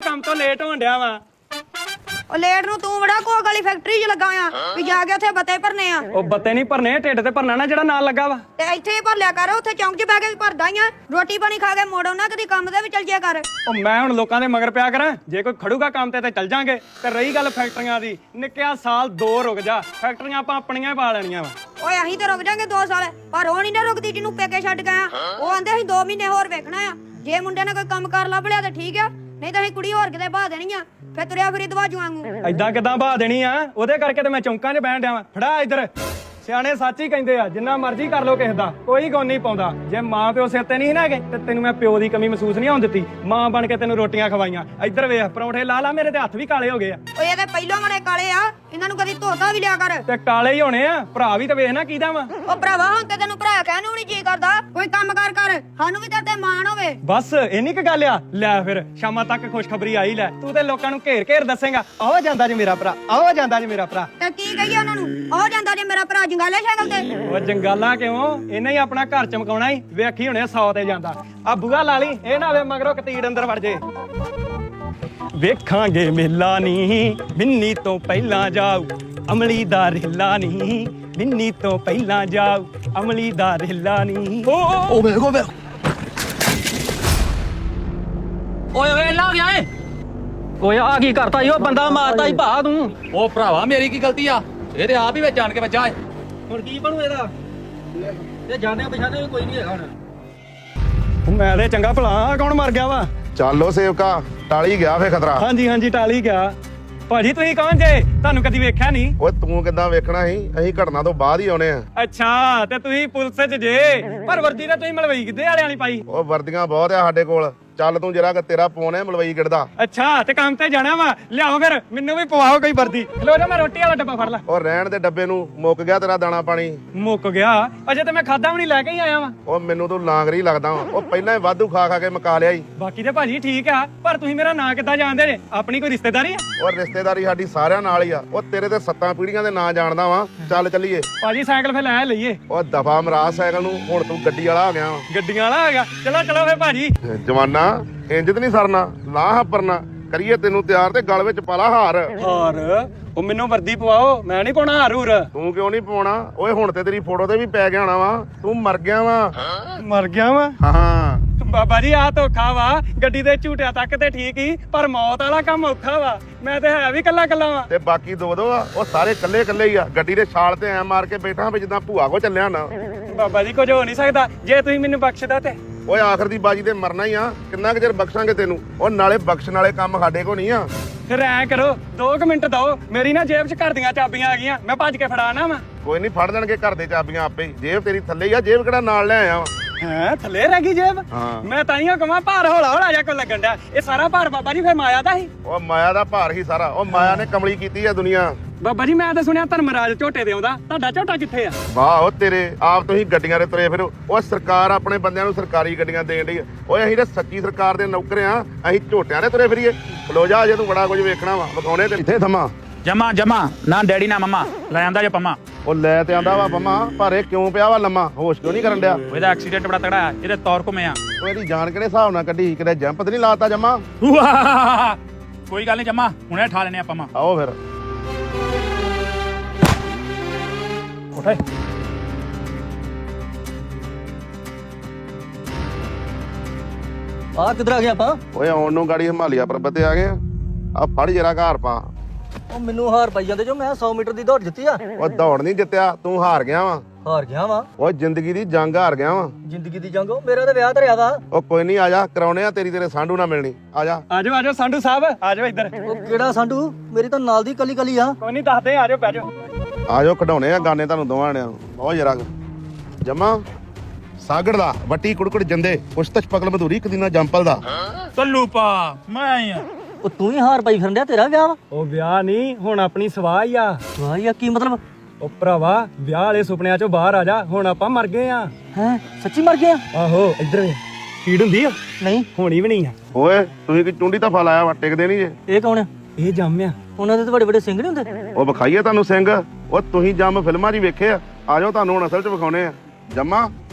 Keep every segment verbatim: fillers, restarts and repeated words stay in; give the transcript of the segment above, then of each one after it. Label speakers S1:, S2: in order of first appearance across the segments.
S1: ਕੰਮ ਤੋਂ ਲੇਟ ਹੋਣ ਡਿਆ ਵਾ।
S2: ਉਹ ਲੇਟ ਨੂੰ ਤੂੰ ਬੜਾ ਕੋਲ ਵਾਲੀ ਫੈਕਟਰੀ 'ਚ ਲੱਗਾ ਆ ਵੀ ਜਾ ਕੇ ਉੱਥੇ ਬੱਤੇ ਭਰਨੇ ਆ।
S1: ਉਹ ਬੱਤੇ ਨਹੀਂ ਭਰਨੇ, ਢਿੱਡ ਤੇ ਭਰਨਾ ਨਾ ਜਿਹੜਾ ਨਾਲ ਲੱਗਾ ਵਾ।
S2: ਤੇ ਇੱਥੇ ਹੀ ਭਰ ਲਿਆ ਕਰ, ਉੱਥੇ ਚੌਂਕ 'ਚ ਬਹਿ ਕੇ ਵੀ ਭਰਦਾ ਹੀ ਆ। ਰੋਟੀ ਪਾਣੀ ਖਾ ਕੇ ਮੋੜੋ ਨਾ, ਕਦੀ ਕੰਮ ਤੇ ਵੀ ਚੱਲ ਜਿਆ ਕਰ।
S1: ਉਹ ਮੈਂ ਹੁਣ ਲੋਕਾਂ ਦੇ ਮਗਰ ਪਿਆ ਕਰਾਂ? ਜੇ ਕੋਈ ਖੜੂਗਾ ਕੰਮ ਤੇ ਤੇ ਚੱਲ ਜਾਾਂਗੇ। ਤੇ ਰਹੀ ਗੱਲ ਫੈਕਟਰੀਆਂ ਦੀ, ਨਿੱਕਿਆ ਸਾਲ ਦੋ ਰੁਕ ਜਾ, ਫੈਕਟਰੀਆਂ ਆਪਾਂ ਆਪਣੀਆਂ ਹੀ ਪਾ ਲੈਣੀਆਂ ਵਾ।
S2: ਓਏ ਅਸੀਂ ਤਾਂ ਰੁਕ ਜਾਾਂਗੇ ਦੋ ਸਾਲ, ਪਰ ਉਹ ਨਹੀਂ ਨਾ ਰੁਕਦੀ ਜਿਹਨੂੰ ਪੇਕੇ ਛੱਡ ਗਏ ਆ। ਉਹ ਆਂਦੇ ਅਸੀਂ ਦੋ ਮਹੀਨੇ ਹੋਰ ਵੇਖਣਾ ਆ। ਜੇ ਮੁੰਡੇ ਨੇ ਕੋਈ ਕੰਮ ਕਰ ਲੱਭ ਲਿਆ ਤੇ ਠੀਕ ਆ, ਨਹੀਂ ਤਾਂ ਅਸੀਂ ਕੁੜੀ ਹੋਰ ਕਿਤੇ ਬਾਹ ਦੇਣੀ ਆ। ਫੇਰ ਤੁਰਿਆ ਫਿਰੀ ਦਵਾਜੂ ਵਾਂਗੂ।
S1: ਐਦਾਂ ਕਿਦਾਂ ਬਹਾ ਦੇਣੀ ਆ? ਉਹਦੇ ਕਰਕੇ ਤੇ ਮੈਂ ਚੌਂਕਾਂ 'ਚ ਬਹਿਣ ਡਿਆ ਵਾਂ। ਫੜਾ ਇੱਧਰ। ਸਿਆਣੇ ਸੱਚ ਹੀ ਕਹਿੰਦੇ ਆ, ਜਿੰਨਾ ਮਰਜ਼ੀ ਕਰ ਲੋ ਕਿਸੇ ਦਾ, ਕੋਈ ਗੁਣ ਨਹੀਂ ਪਾਉਂਦਾ। ਜੇ ਮਾਂ ਪਿਓ ਸਿਰ ਤੇ ਨਹੀਂ ਨਾ ਹੈਗੇ ਤੇ ਤੈਨੂੰ ਮੈਂ ਪਿਓ ਦੀ ਕਮੀ ਮਹਿਸੂਸ ਨਹੀਂ ਹੋਣ ਦਿੱਤੀ। ਮਾਂ ਬਣ ਕੇ ਤੈਨੂੰ ਰੋਟੀਆਂ ਖਵਾਈਆਂ। ਇੱਧਰ ਵੇਖ, ਪਰੌਂਠੇ ਲਾ ਲਾ, ਮੇਰੇ ਤੇ ਹੱਥ ਵੀ ਕਾਲੇ ਹੋ ਗਏ ਆ।
S2: ਓਏ ਇਹਦੇ ਪਹਿਲੋਂ ਬੜੇ ਕਾਲੇ ਆ, ਇਹਨਾਂ ਨੂੰ ਕਦੀ ਧੋਤਾ ਵੀ ਲਿਆ ਕਰ।
S1: ਤੇ ਕਾਲੇ ਹੀ ਹੋਣੇ ਆ, ਭਰਾ ਵੀ ਤਾਂ ਵੇਖ ਨਾ ਕਿਹਦਾ ਵਾ।
S2: ਉਹ ਭਰਾਵਾ ਹੁਣ ਤੇ ਤੈਨੂੰ ਭਰਾ ਕਹਿਣ ਨੂੰ ਨਹੀਂ ਜੀ ਕਰਦਾ। ਕੋਈ ਕੰਮ ਕਾਰ ਕਰ, ਸਾਨੂੰ ਵੀ ਤੇਰੇ ਤੇ ਮਾਣ ਹੋਵੇ।
S1: ਬਸ ਇੰਨੀ ਕੁ ਗੱਲ ਆ। ਲੈ ਫਿਰ ਸ਼ਾਮਾਂ ਤੱਕ ਖੁਸ਼ਖਬਰੀ ਆਈ ਲੈ। ਤੂੰ ਤੇ ਲੋਕਾਂ ਨੂੰ ਘੇਰ ਘੇਰ ਦੱਸੇਗਾ, ਆਹ ਜਾਂਦਾ ਜੇ ਮੇਰਾ ਭਰਾ, ਆਹ ਜਾਂਦਾ ਜੇ ਮੇਰਾ ਭਰਾ।
S2: ਤੇ ਕੀ ਕਹੀਏ ਉਹਨਾਂ ਨੂੰ? ਆਹ ਜਾਂਦਾ ਜੇ ਮੇਰਾ ਭਰਾ ਜੰਗਾਲੇ ਸਾਈਕਲ ਤੇ।
S1: ਉਹ ਜੰਗਾਲਾ ਕਿਉਂ? ਇਹਨੇ ਹੀ ਆਪਣਾ ਘਰ ਚਮਕਾਉਣਾ ਹੀ। ਵੇਖੀ ਹੁਣੇ ਸੌ ਤੇ ਜਾਂਦਾ। ਆ ਬੂਹਾ ਲਾ ਲਈ, ਇਹ ਨਾ ਵੇ ਮਗਰੋਂ ਕਤੀੜ ਅੰਦਰ ਵੜ ਜੇ। ਵੇਖਾਂਗੇ ਮੇਲਾ ਨੀ ਮਿੰਨੀ ਤੋਂ ਪਹਿਲਾਂ ਜਾਊ, ਅਮਲੀ ਦਾ ਰੇਲਾ ਨੀ ਮਿੰਨੀ ਤੋਂ ਪਹਿਲਾਂ ਜਾਊ, ਅਮਲੀ ਦਾ ਰੇਲਾ ਨੀ। ਓ
S3: ਓ ਵੇਖ ਓ ਵੇਖ ਓਏ ਓਏ ਲਾ ਗਿਆ ਏ।
S4: ਓਏ ਆ ਕੀ ਕਰਤਾ ਈ? ਉਹ ਬੰਦਾ ਮਾਰਤਾ ਈ ਭਾ ਤੂੰ।
S3: ਉਹ ਭਰਾਵਾ ਮੇਰੀ ਕੀ ਗਲਤੀ ਆ? ਇਹ ਤੇ ਆਪ ਹੀ ਵਿੱਚ ਜਾਣ ਕੇ ਵੱਜਾ ਏ।
S4: ਹੁਣ ਕੀ ਬਣੂ ਇਹਦਾ? ਤੇ ਜਾਣਿਆ ਪਛਾਣਿਆ ਵੀ ਕੋਈ ਨਹੀਂ ਹੈਗਾ ਹੁਣ।
S1: ਮੈਂ ਤੇ ਚੰਗਾ ਭਲਾ, ਕੌਣ ਮਰ ਗਿਆ ਵਾ?
S5: ਚੱਲੋ ਸੇਵਕਾ, ਟਾਲੀ ਗਿਆ ਫੇ ਖਤਰਾ।
S1: ਹਾਂਜੀ ਹਾਂਜੀ ਟਾਲੀ ਗਿਆ। ਭਾਜੀ ਤੁਸੀਂ ਕੌਣ ਜੇ? ਤੁਹਾਨੂੰ ਕਦੀ ਵੇਖਿਆ ਨਹੀਂ।
S5: ਓਏ ਤੂੰ ਕਿੱਦਾਂ ਵੇਖਣਾ ਸੀ? ਅਸੀਂ ਘਟਨਾ ਤੋਂ ਬਾਅਦ ਹੀ ਆਉਣੇ ਆ।
S1: ਅੱਛਾ, ਤੇ ਤੁਸੀਂ ਪੁਲਿਸ 'ਚ ਜੇ, ਪਰ ਵਰਦੀ ਤਾਂ ਤੁਸੀਂ ਮਲਵਈ ਕਿੱਦੇ ਵਾਲਿਆਂ ਵਾਲੀ ਪਾਈ।
S5: ਉਹ ਵਰਦੀਆਂ ਬਹੁਤ ਆ ਸਾਡੇ ਕੋਲ। ਚੱਲ ਤੂੰ ਜਰਾ ਕਿ ਤੇਰਾ ਫੋਨ ਹੈ ਮਲਵਈ ਗਿੜਦਾ।
S1: ਅੱਛਾ, ਤੇ ਕੰਮ ਤੇ ਜਾਣਾ ਵਾ, ਲਿਆਓ ਫਿਰ ਮੈਨੂੰ ਵੀ ਪਵਾਓ ਕੋਈ ਵਰਦੀ। ਲੋ ਜਾ, ਮੈਂ ਰੋਟੀ ਵਾਲਾ ਡੱਬਾ ਫੜ ਲਾ।
S5: ਉਹ ਰਹਿਣ ਦੇ ਡੱਬੇ ਨੂੰ, ਮੁੱਕ ਗਿਆ ਤੇਰਾ ਦਾਣਾ ਪਾਣੀ।
S1: ਮੁੱਕ ਗਿਆ? ਅਜੇ ਤੇ ਮੈਂ ਖਾਦਾ ਵੀ ਨਹੀਂ, ਲੈ ਕੇ ਹੀ ਆਇਆ ਵਾਂ।
S5: ਉਹ ਮੈਨੂੰ ਤੂੰ ਲਾਂਗਰੀ ਲੱਗਦਾ ਵਾ। ਉਹ ਪਹਿਲਾਂ ਹੀ ਵਾਧੂ ਖਾ ਖਾ ਕੇ ਮਕਾ ਲਿਆ ਈ।
S1: ਬਾਕੀ ਤੇ ਭਾਜੀ ਠੀਕ ਆ, ਪਰ ਤੁਸੀਂ ਮੇਰਾ ਨਾਂ ਕਿੱਦਾਂ ਜਾਣਦੇ ਜੇ? ਆਪਣੀ ਕੋਈ ਰਿਸ਼ਤੇਦਾਰੀ ਆ?
S5: ਉਹ ਰਿਸ਼ਤੇਦਾਰੀ ਸਾਡੀ ਸਾਰਿਆਂ ਨਾਲ ਹੀ ਆ। ਉਹ ਤੇਰੇ ਤੇ ਸੱਤਾਂ ਪੀੜੀਆਂ ਦੇ ਨਾਂ ਜਾਣਦਾ ਵਾ। ਚੱਲ ਚੱਲੀਏ।
S1: ਭਾਜੀ ਸਾਈਕਲ ਫਿਰ ਲੈ ਲਈਏ।
S5: ਉਹ ਦਫਾ ਮਰਾ ਸਾਈਕਲ ਨੂੰ, ਹੁਣ ਤੂੰ ਗੱਡੀ ਵਾਲਾ ਹੋ ਗਿਆ ਵਾ।
S1: ਗੱਡੀਆਂ ਵਾਲਾ ਹੈਗਾ। ਚਲੋ ਚਲੋ ਫਿਰ ਭਾਜੀ।
S5: ਜਵਾਨਾ ਇੰਜ ਤੇ ਨਹੀਂ ਸਰਨਾ, ਲਾਹ ਹੱਪਰਨਾ ਕਰੀਏ ਤੈਨੂੰ ਤਿਆਰ ਤੇ ਗਲ ਵਿੱਚ ਪਾਲਾ ਹਾਰ।
S1: ਹਾਰ? ਉਹ ਮੈਨੂੰ ਵਰਦੀ ਪਵਾਓ, ਮੈਂ ਨਹੀਂ ਪਾਉਣਾ ਹਾਰ ਹੂਰ।
S5: ਤੂੰ ਕਿਉਂ ਨਹੀਂ ਪਾਉਣਾ? ਓਏ ਹੁਣ ਤੇ ਤੇਰੀ ਫੋਟੋ ਤੇ ਵੀ ਪੈ ਗਿਆ ਹੋਣਾ ਵਾ। ਤੂੰ ਮਰ ਗਿਆ ਵਾ।
S1: ਮਰ ਗਿਆ ਵਾ?
S5: ਹਾਂ
S1: ਬਾਬਾ ਜੀ ਆ ਧੋਖਾ ਵਾ। ਗੱਡੀ ਦੇ ਝੂਟਿਆਂ ਤੱਕ ਤੇ ਠੀਕ ਹੀ, ਪਰ ਮੌਤ ਵਾਲਾ ਕੰਮ ਔਖਾ ਵਾ। ਮੈਂ ਤੇ ਹੈ ਵੀ ਕੱਲਾ ਕੱਲਾ ਵਾ।
S5: ਤੇ ਬਾਕੀ ਦੋ ਦੋ ਆ, ਉਹ ਸਾਰੇ ਕੱਲੇ ਕੱਲੇ ਹੀ ਆ। ਗੱਡੀ ਦੇ ਛਾਲ ਤੇ ਐ ਮਾਰ ਕੇ ਬੈਠਾ ਵੀ ਜਿੱਦਾਂ ਭੂਆ ਕੋ ਚੱਲਿਆ ਨਾ।
S1: ਬਾਬਾ ਜੀ ਕੁਝ ਹੋ ਨਹੀਂ ਸਕਦਾ ਜੇ ਤੁਸੀਂ ਮੈਨੂੰ ਬਖਸ਼ਦਾ ਤੇ।
S5: ਓਏ ਆਖਰ ਦੀ ਬਾਜੀ ਤੇ ਮਰਨਾ ਹੀ ਆ। ਕਿੰਨਾ ਕੁ ਚਿਰ ਬਖਸ਼ਾਂਗੇ ਤੈਨੂੰ? ਉਹ ਨਾਲੇ ਬਖਸ਼ਣ ਵਾਲੇ ਕੰਮ ਸਾਡੇ ਕੋ ਨਹੀਂ ਆ।
S1: ਫਿਰ ਐ ਕਰੋ, ਦੋ ਕੁ ਮਿੰਟ ਦਓ। ਮੇਰੀ ਨਾ ਜੇਬ 'ਚ ਘਰ ਦੀਆਂ ਚਾਬੀਆਂ ਆ ਗਈਆਂ, ਮੈਂ ਭੱਜ ਕੇ ਫੜਾਣਾ ਵਾ।
S5: ਕੋਈ ਨਹੀਂ, ਫੜ ਦੇਣਗੇ ਘਰ ਦੇ ਚਾਬੀਆਂ ਆਪੇ ਹੀ। ਜੇਬ ਤੇਰੀ ਥੱਲੇ ਹੀ ਆ। ਜੇਬ ਕਿਹੜਾ ਨਾਲ ਲੈ ਆਇਆ ਵਾ?
S1: ਹੈ ਥੱਲੇ ਰਹਿ ਗਈ ਜੇਬ?
S5: ਹਾਂ।
S1: ਮੈਂ ਤਾਈਓ ਕਹਾਂ ਭਾਰ ਹੌਲਾ ਹੌਲਾ ਜਿਹਾ ਕੋ ਲੱਗਣ ਡਿਆ। ਇਹ ਸਾਰਾ ਭਾਰ ਬਾਬਾ ਜੀ ਫਿਰ ਮਾਇਆ ਦਾ ਸੀ?
S5: ਉਹ ਮਾਇਆ ਦਾ ਭਾਰ ਹੀ ਸਾਰਾ। ਉਹ ਮਾਇਆ ਨੇ ਕਮਲੀ ਕੀਤੀ ਆ ਦੁਨੀਆ।
S1: ਬਾਬਾ ਜੀ ਮੈਂ ਤਾਂ ਸੁਣਿਆ ਧਰਮਰਾਜ ਝੋਟੇ ਦੇ ਆਉਂਦਾ, ਤੁਹਾਡਾ ਝੋਟਾ ਕਿੱਥੇ ਆ?
S5: ਵਾਹ ਉਹ ਤੇਰੇ ਆਪ ਤੁਸੀਂ ਗੱਡੀਆਂ ਦੇ ਤੁਰੇ ਫਿਰੋ। ਉਹ ਸਰਕਾਰ ਆਪਣੇ ਬੰਦਿਆਂ ਨੂੰ ਸਰਕਾਰੀ ਗੱਡੀਆਂ ਦੇਣ ਡਈ ਆ। ਓਏ ਅਸੀਂ ਤਾਂ ਸੱਚੀ ਸਰਕਾਰ ਦੇ ਨੌਕਰ ਆ। ਅਸੀਂ ਝੋਟਿਆਂ ਦੇ ਤੁਰੇ ਫਿਰੀਏ? ਖਲੋ ਜਾ, ਜੇ ਤੂੰ ਬੜਾ ਕੁਝ ਵੇਖਣਾ ਵਾ ਵਿਖਾਉਣੇ ਤੇ ਇੱਥੇ ਥਮਾ।
S3: ਜਮਾ ਜਮਾ ਨਾ ਡੈਡੀ ਨਾ ਮਮਾ ਲੈ ਆਂਦਾ ਜੇ ਪੰਮਾ।
S5: ਉਹ ਲੈ ਤੇ ਆਂਦਾ ਵਾ ਪੰਮਾ, ਪਰ ਇਹ ਕਿਉਂ ਪਿਆ ਵਾ ਲੰਮਾ? ਹੋਸ਼ ਕਿਉਂ ਨਹੀਂ ਕਰਨ ਡਿਆ?
S3: ਇਹਦਾ ਐਕਸੀਡੈਂਟ ਬੜਾ ਤਗੜਾ ਆ, ਇਹਦੇ ਤੌਰ ਘੁੰਮੇ ਆ।
S5: ਉਹ ਇਹਦੀ ਜਾਨ ਕਿਹੜੇ ਹਿਸਾਬ ਨਾਲ ਕੱਢੀ? ਕਿਤੇ ਜੰਪ ਤੇ ਨਹੀਂ ਲਾਤਾ ਜਮਾ?
S3: ਕੋਈ ਗੱਲ ਨਹੀਂ ਜਮਾ, ਹੁਣੇ ਠਾ ਲੈਨੇ ਆ ਪੰਮਾ।
S5: ਆਓ ਫਿਰ।
S1: ਉਠੇ
S4: ਆ ਕਿੱਧਰ ਆ ਗਿਆ ਆਪਾਂ?
S5: ਓਏ ਆਉਣ ਨੂੰ ਗਾੜੀ ਹਿਮਾਲਿਆ ਪਰਬਤ ਤੇ ਆ ਗਏ ਆ। ਆ ਫੜ ਜਰਾ ਘਰ ਪਾ।
S4: ਉਹ ਮੈਨੂੰ ਹਾਰ ਪਾਈ ਜਾਂਦੇ ਜੋ ਮੈਂ ਸੌ ਮੀਟਰ ਦੀ ਦੌੜ ਜਿੱਤੀ ਆ।
S5: ਉਹ ਦੌੜ ਨਹੀਂ ਜਿੱਤਿਆ, ਤੂੰ ਹਾਰ ਗਿਆ ਵਾ।
S4: ਹਾਰ ਗਿਆ ਵਾ?
S5: ਉਹ ਜ਼ਿੰਦਗੀ ਦੀ ਜੰਗ ਹਾਰ ਗਿਆ ਵਾ।
S4: ਜ਼ਿੰਦਗੀ ਦੀ ਜੰਗ? ਮੇਰਾ ਤਾਂ ਵਿਆਹ ਧਰਿਆ ਵਾ।
S5: ਉਹ ਕੋਈ ਨਹੀਂ, ਆ ਜਾ, ਕਰਾਉਣੇ ਆ ਤੇਰੀ ਤੇਰੇ ਸਾਂਢੂ ਨਾਲ ਮਿਲਣੀ। ਆ ਜਾ।
S1: ਆਜੋ ਆਜੋ ਸੰਧੂ ਸਾਹਿਬ, ਆਜੋ ਇੱਧਰ।
S4: ਉਹ ਕਿਹੜਾ ਸੰਧੂ? ਮੇਰੀ ਤਾਂ ਨਾਲ ਦੀ ਕੱਲੀ ਕੱਲੀ ਆ।
S1: ਕੋਈ ਨਹੀਂ ਦੱਸਦੇ, ਆਜੋ ਬਹਿ ਜਾਓ।
S5: ਆ ਜਾਓ, ਕਢਾਉਣੇ ਆ ਗਾਨੇ ਤੁਹਾਨੂੰ ਦੋਵਾਂ ਨੇ। ਬਹੁਤ ਜਰਾ ਜਮਾ ਸਾਗੜ ਦਾ ਵੱਟੀ ਕੁੜਕੁੜ ਜੰਦੇ ਪੁਸ਼ਤਸ਼ ਪਗਲ ਮਧੂਰੀ ਇੱਕ ਦਿਨਾ ਜੰਪਲ ਦਾ।
S3: ਸੱਲੂ ਪਾ ਮੈਂ ਆਈ ਆ।
S4: ਉਹ ਤੂੰ ਹੀ ਹਾਰ ਪਾਈ ਫਿਰਨ ਡਿਆ, ਤੇਰਾ ਵਿਆਹ ਵਾ?
S1: ਉਹ ਵਿਆਹ ਨਹੀਂ, ਹੁਣ ਆਪਣੀ ਸਵਾਹ ਹੀ ਆ।
S4: ਵਾਹ ਯਾ, ਕੀ ਮਤਲਬ?
S1: ਉਹ ਭਰਾਵਾ ਵਿਆਹ ਵਾਲੇ ਸੁਪਨਿਆਂ ਚੋਂ ਬਾਹਰ ਆ ਜਾ, ਹੁਣ ਆਪਾਂ ਮਰ ਗਏ ਆ।
S4: ਹੈ ਸੱਚੀ ਮਰ ਗਿਆ?
S1: ਆਹੋ ਇੱਧਰ ਵੇ, ਕੀੜ ਹੁੰਦੀ ਆ?
S4: ਨਹੀਂ
S1: ਹੋਣੀ ਵੀ ਨਹੀਂ ਆ।
S5: ਓਏ ਤੁਸੀਂ ਕੀ ਚੁੰਡੀ ਤਾਂ ਫਾ ਲਾਇਆ ਵਾ, ਟਿਕਦੇ ਨਹੀਂ ਜੇ।
S4: ਇਹ ਕੌਣ ਆ?
S1: ਇਹ ਜੰਮ ਆ।
S4: ਉਹਨਾਂ ਦੇ ਤਾਂ ਵੱਡੇ ਵੱਡੇ ਸਿੰਘ ਨਹੀਂ ਹੁੰਦੇ?
S5: ਉਹ ਵਿਖਾਈਏ ਤੁਹਾਨੂੰ ਸਿੰਘ? ਉਹ ਤੁਸੀਂ ਜੰਮ ਫਿਲਮਾਂ 'ਚ ਹੀ ਵੇਖੇ ਆ। ਆ ਜਾਓ, ਤੁਹਾਨੂੰ ਹੁਣ ਅਸਲ 'ਚ ਵਿਖਾਉਣੇ ਆ। ਜੰਮਾ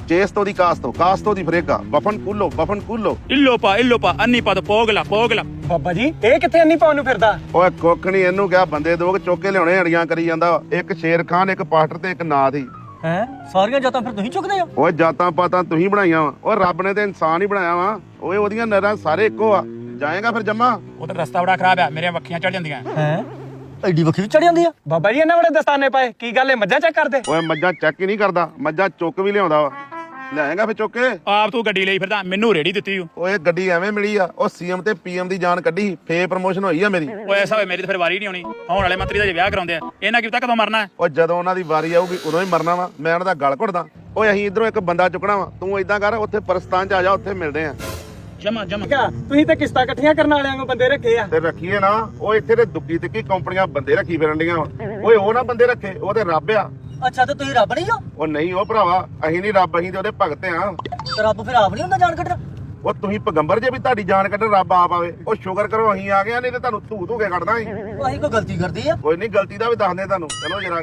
S5: చేస్తో ਦੀ ਕਾਸਤੋ ਕਾਸਤੋ ਦੀ ਫਰੇਗਾ ਬਫਨ ਕੁੱਲੋ ਬਫਨ ਕੁੱਲੋ
S3: ਇਲੋ ਪਾ ਇਲੋ ਪਾ ਅੰਨੀ ਪਾ ਪੋਗਲਾ ਪੋਗਲਾ
S1: ਬਾਬਾ ਜੀ ਇਹ ਕਿੱਥੇ ਅੰਨੀ ਪਾਉਣ ਨੂੰ ਫਿਰਦਾ?
S5: ਓਏ ਕੁੱਖ ਨਹੀਂ ਇਹਨੂੰ ਕਿਹਾ ਬੰਦੇ ਦੋ ਚੁੱਕ ਕੇ ਲਿਆਉਣੇ ਅੜੀਆਂ ਕਰੀ ਜਾਂਦਾ ਵਾ। ਇੱਕ ਸ਼ੇਰ ਖਾਨ ਇੱਕ ਪਾਸਟਰ ਤੇ ਇੱਕ ਨਾਥ ਹੀ।
S4: ਹੈ ਸਾਰੀਆਂ ਜਾਤਾਂ ਫਿਰ ਤੁਸੀਂ ਚੁੱਕਦੇ ਹੋ?
S5: ਓਏ ਜਾਤਾਂ ਪਾਤਾਂ ਤੁਸੀਂ ਬਣਾਈਆਂ ਵਾ। ਓਏ ਰੱਬ ਨੇ ਤੇ ਇਨਸਾਨ ਹੀ ਬਣਾਇਆ ਵਾ। ਓਏ ਉਹਦੀਆਂ ਨਰਾਂ ਸਾਰੇ ਇੱਕੋ ਆ। ਜਾਏਗਾ ਫਿਰ ਜੰਮਾ?
S3: ਉਹ ਤਾਂ ਰਸਤਾ ਬੜਾ ਖਰਾਬ ਆ, ਮੇਰੀਆਂ ਵੱਖੀਆਂ ਚੜ ਜਾਂਦੀਆਂ।
S4: ਹੈ ਐਡੀ ਵੱਖੀ ਵੀ ਚੜ ਜਾਂਦੀ ਆ?
S1: ਬਾਬਾ ਜੀ ਇਹਨਾਂ ਬੜੇ ਦਸਤਾਨੇ ਪਾਏ, ਕੀ ਗੱਲ ਹੈ ਮੱਝਾਂ ਚੈੱਕ ਕਰਦੇ?
S5: ਓਏ ਮੱਝਾਂ ਚੈੱਕ ਹੀ ਨਹੀਂ ਕਰਦਾ, ਮੱਝਾਂ ਚੁੱਕ ਵੀ ਲਿਆਉਂਦਾ ਵਾ। ਲਿਆਏਗਾ ਫਿਰ ਚੁੱਕ ਕੇ?
S3: ਆਪ ਤੂੰ ਗੱਡੀ ਲਈ ਫਿਰਦਾ, ਮੈਨੂੰ ਰੇੜੀ ਦਿੱਤੀ ਓ।
S5: ਓਏ ਗੱਡੀ ਐਵੇਂ ਮਿਲੀ ਆ, ਉਹ ਸੀਐਮ ਤੇ ਪੀਐਮ ਦੀ ਜਾਨ ਕੱਢੀ, ਫੇ ਪ੍ਰਮੋਸ਼ਨ ਹੋਈ ਆ ਮੇਰੀ।
S3: ਓਏ ਐਸਾ ਹੋਏ ਮੇਰੀ ਤਾਂ ਫਿਰ ਵਾਰੀ ਨਹੀਂ ਆਉਣੀ। ਆਉਣ ਵਾਲੇ ਮੰਤਰੀ ਦਾ ਜੇ ਵਿਆਹ ਕਰਾਉਂਦੇ ਆ, ਇਹਨਾਂ ਕੀ ਪਤਾ ਕਦੋਂ ਮਰਨਾ ਹੈ।
S5: ਓ ਜਦੋਂ ਉਹਨਾਂ ਦੀ ਵਾਰੀ ਆਊਗੀ ਉਦੋਂ ਹੀ ਮਰਨਾ ਵਾ। ਮੈਂ ਉਹਨਾਂ ਦਾ ਗਲ ਘੁੱਟਦਾ। ਓਏ ਅਸੀਂ ਇਧਰੋਂ ਇੱਕ ਬੰਦਾ ਚੁੱਕਣਾ ਵਾ, ਤੂੰ ਏਦਾਂ ਕਰ ਉੱਥੇ ਪਰਸਤਾਨ ਚ ਆ ਜਾ, ਉੱਥੇ ਮਿਲਦੇ ਆ।
S3: ਜਮਾ ਜਮਾ
S1: ਤੁਸੀਂ ਤੇ ਕਿਸ਼ਤਾਂ ਇਕੱਠੀਆਂ ਕਰਨ ਵਾਲਿਆਂ ਨੂੰ ਬੰਦੇ ਰੱਖੇ ਆ।
S5: ਤੇ ਰੱਖੀਏ ਨਾ, ਉਹ ਇੱਥੇ ਤੇ ਦੁੱਕੀ ਤਿੱਕੀ ਕੰਪਨੀਆਂ ਬੰਦੇ ਰੱਖੀ ਫਿਰਨ ਡੀਆਂ ਵਾ। ਓਏ ਉਹ ਨਾ ਬੰਦੇ ਰੱਖੇ, ਉਹ ਤੇ ਰੱਬ ਆ।
S4: ਅੱਛਾ ਤੇ ਤੁਸੀਂ ਰੱਬ ਨਹੀਂ ਹੋ?
S5: ਉਹ ਨਹੀਂ ਉਹ ਭਰਾਵਾ, ਅਸੀਂ ਨਹੀਂ ਰੱਬ, ਅਸੀਂ ਤੇ ਉਹਦੇ ਭਗਤ ਆ।
S4: ਤੇ ਰੱਬ ਫਿਰ ਆਪ ਨਹੀਂ ਹੁੰਦਾ ਜਾਨ ਕੱਢਣਾ?
S5: ਉਹ ਤੁਸੀਂ ਪਗੰਬਰ ਜੇ ਵੀ ਤੁਹਾਡੀ ਜਾਨ ਕੱਢਣ ਰੱਬ ਆਪ ਆਵੇ। ਉਹ ਸ਼ੁਕਰ ਕਰੋ ਅਸੀਂ ਆ ਗਏ ਆ, ਨਹੀਂ ਤੇ ਤੁਹਾਨੂੰ ਧੂ ਧੂ ਕੇ ਕੱਢਦਾ ਸੀ।
S4: ਅਸੀਂ ਕੋਈ ਗਲਤੀ ਕਰਦੀ ਆ?
S5: ਕੋਈ ਨਹੀਂ, ਗਲਤੀ ਦਾ ਵੀ ਦੱਸਦੇ ਤੁਹਾਨੂੰ। ਚਲੋ ਜਰਾ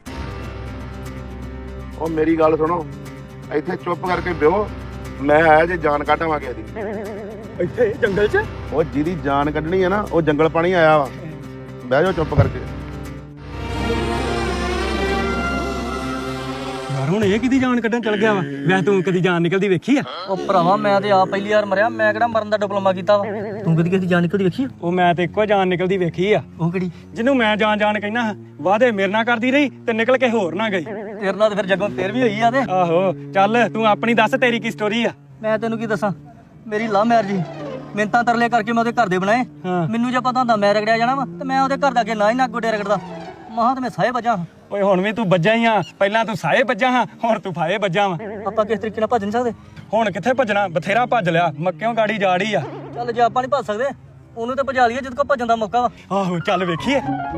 S5: ਉਹ ਮੇਰੀ ਗੱਲ ਸੁਣੋ, ਇੱਥੇ ਚੁੱਪ ਕਰਕੇ ਬਿਓ। ਮੈਂ ਆਇਆ ਜੇ ਜਾਨ ਕੱਢਾਵਾਂਗੇ ਇਹਦੀ
S1: ਇੱਥੇ ਜੰਗਲ 'ਚ?
S5: ਉਹ ਜਿਹਦੀ ਜਾਨ ਕੱਢਣੀ ਹੈ ਨਾ, ਉਹ ਜੰਗਲ ਪਾਣੀ ਆਇਆ ਵਾ। ਬਹਿ ਜਾਓ ਚੁੱਪ ਕਰਕੇ।
S1: ਯਾਰ ਹੁਣ ਇਹ ਕਿਹਦੀ ਜਾਨ ਕੱਢਣ ਚਲ ਗਿਆ ਵਾ? ਵੈਸੇ ਤੂੰ ਕਦੀ ਜਾਨ ਨਿਕਲਦੀ ਵੇਖੀ ਆ?
S4: ਉਹ ਭਰਾਵਾ ਮੈਂ ਤੇ ਆਪ ਪਹਿਲੀ ਵਾਰ ਮਰਿਆ, ਮੈਂ ਕਿਹੜਾ ਮਰਨ ਦਾ ਡਿਪਲੋਮਾ ਕੀਤਾ ਵਾ। ਤੂੰ ਕਦੀ ਕਿਸੇ ਜਾਨ ਨਿਕਲਦੀ ਵੇਖੀ?
S1: ਉਹ ਮੈਂ ਤੇ ਇੱਕੋ ਜਾਨ ਨਿਕਲਦੀ ਵੇਖੀ ਆ।
S4: ਉਹ ਕਿਹੜੀ?
S1: ਜਿਹਨੂੰ ਮੈਂ ਜਾਨ ਜਾਨ ਕਹਿਣਾ, ਵਾਦੇ ਮੇਰੇ ਨਾਲ ਕਰਦੀ ਰਹੀ ਤੇ ਨਿਕਲ ਕੇ ਹੋਰ ਨਾ ਗਈ।
S4: ਤੇਰੇ ਨਾਲ ਤੇ ਫਿਰ ਜੱਗੋਂ ਤੇਰ ਵੀ ਹੋਈ ਆ। ਤੇ
S1: ਆਹੋ ਚੱਲ ਤੂੰ ਆਪਣੀ ਦੱਸ, ਤੇਰੀ ਕੀ ਸਟੋਰੀ ਆ?
S4: ਮੈਂ ਤੈਨੂੰ ਕੀ ਦੱਸਾਂ, ਮੇਰੀ ਲਵ ਮੈਰਿਜ ਮਿੰਤਾਂ ਤਰਲੇ ਕਰਕੇ ਮੈਂ ਉਹਦੇ ਘਰ ਦੇ ਬਣਾਏ।
S1: ਹਾਂ।
S4: ਮੈਨੂੰ ਜੇ ਪਤਾ ਹੁੰਦਾ ਮੈਂ ਰਗੜਿਆ ਜਾਣਾ ਵਾ ਤੇ ਮੈਂ ਉਹਦੇ ਘਰ ਦਾ ਅੱਗੇ ਨਾ ਹੀ ਨਾ ਗੋਡੇ ਰਗੜਦਾ। ਮਹਾਂ ਤੇ ਮੈਂ ਸਾਹੇ ਵੱਜਾਂ।
S1: ਓਏ ਹੁਣ ਵੀ ਤੂੰ ਵੱਜਾ ਹੀ ਆ। ਪਹਿਲਾਂ ਤੂੰ ਸਾਏ ਵੱਜਾ ਹਾਂ, ਹੁਣ ਤੂੰ ਫਾਏ ਵੱਜਾ ਵਾ।
S4: ਆਪਾਂ ਕਿਸ ਤਰੀਕੇ ਨਾਲ ਭੱਜ ਨਹੀਂ ਸਕਦੇ?
S1: ਹੁਣ ਕਿੱਥੇ ਭੱਜਣਾ, ਬਥੇਰਾ ਭੱਜ ਲਿਆ, ਮੱਕਿਓਂ ਗਾੜੀ ਜਾੜੀ ਆ।
S4: ਚੱਲ ਜੇ ਆਪਾਂ ਨਹੀਂ ਭੱਜ ਸਕਦੇ, ਉਹਨੂੰ ਤੇ ਭਜਾ ਲਈਏ ਜਦ ਕੋ ਭੱਜਣ ਦਾ ਮੌਕਾ ਵਾ।
S1: ਆਹੋ ਚੱਲ ਵੇਖੀਏ।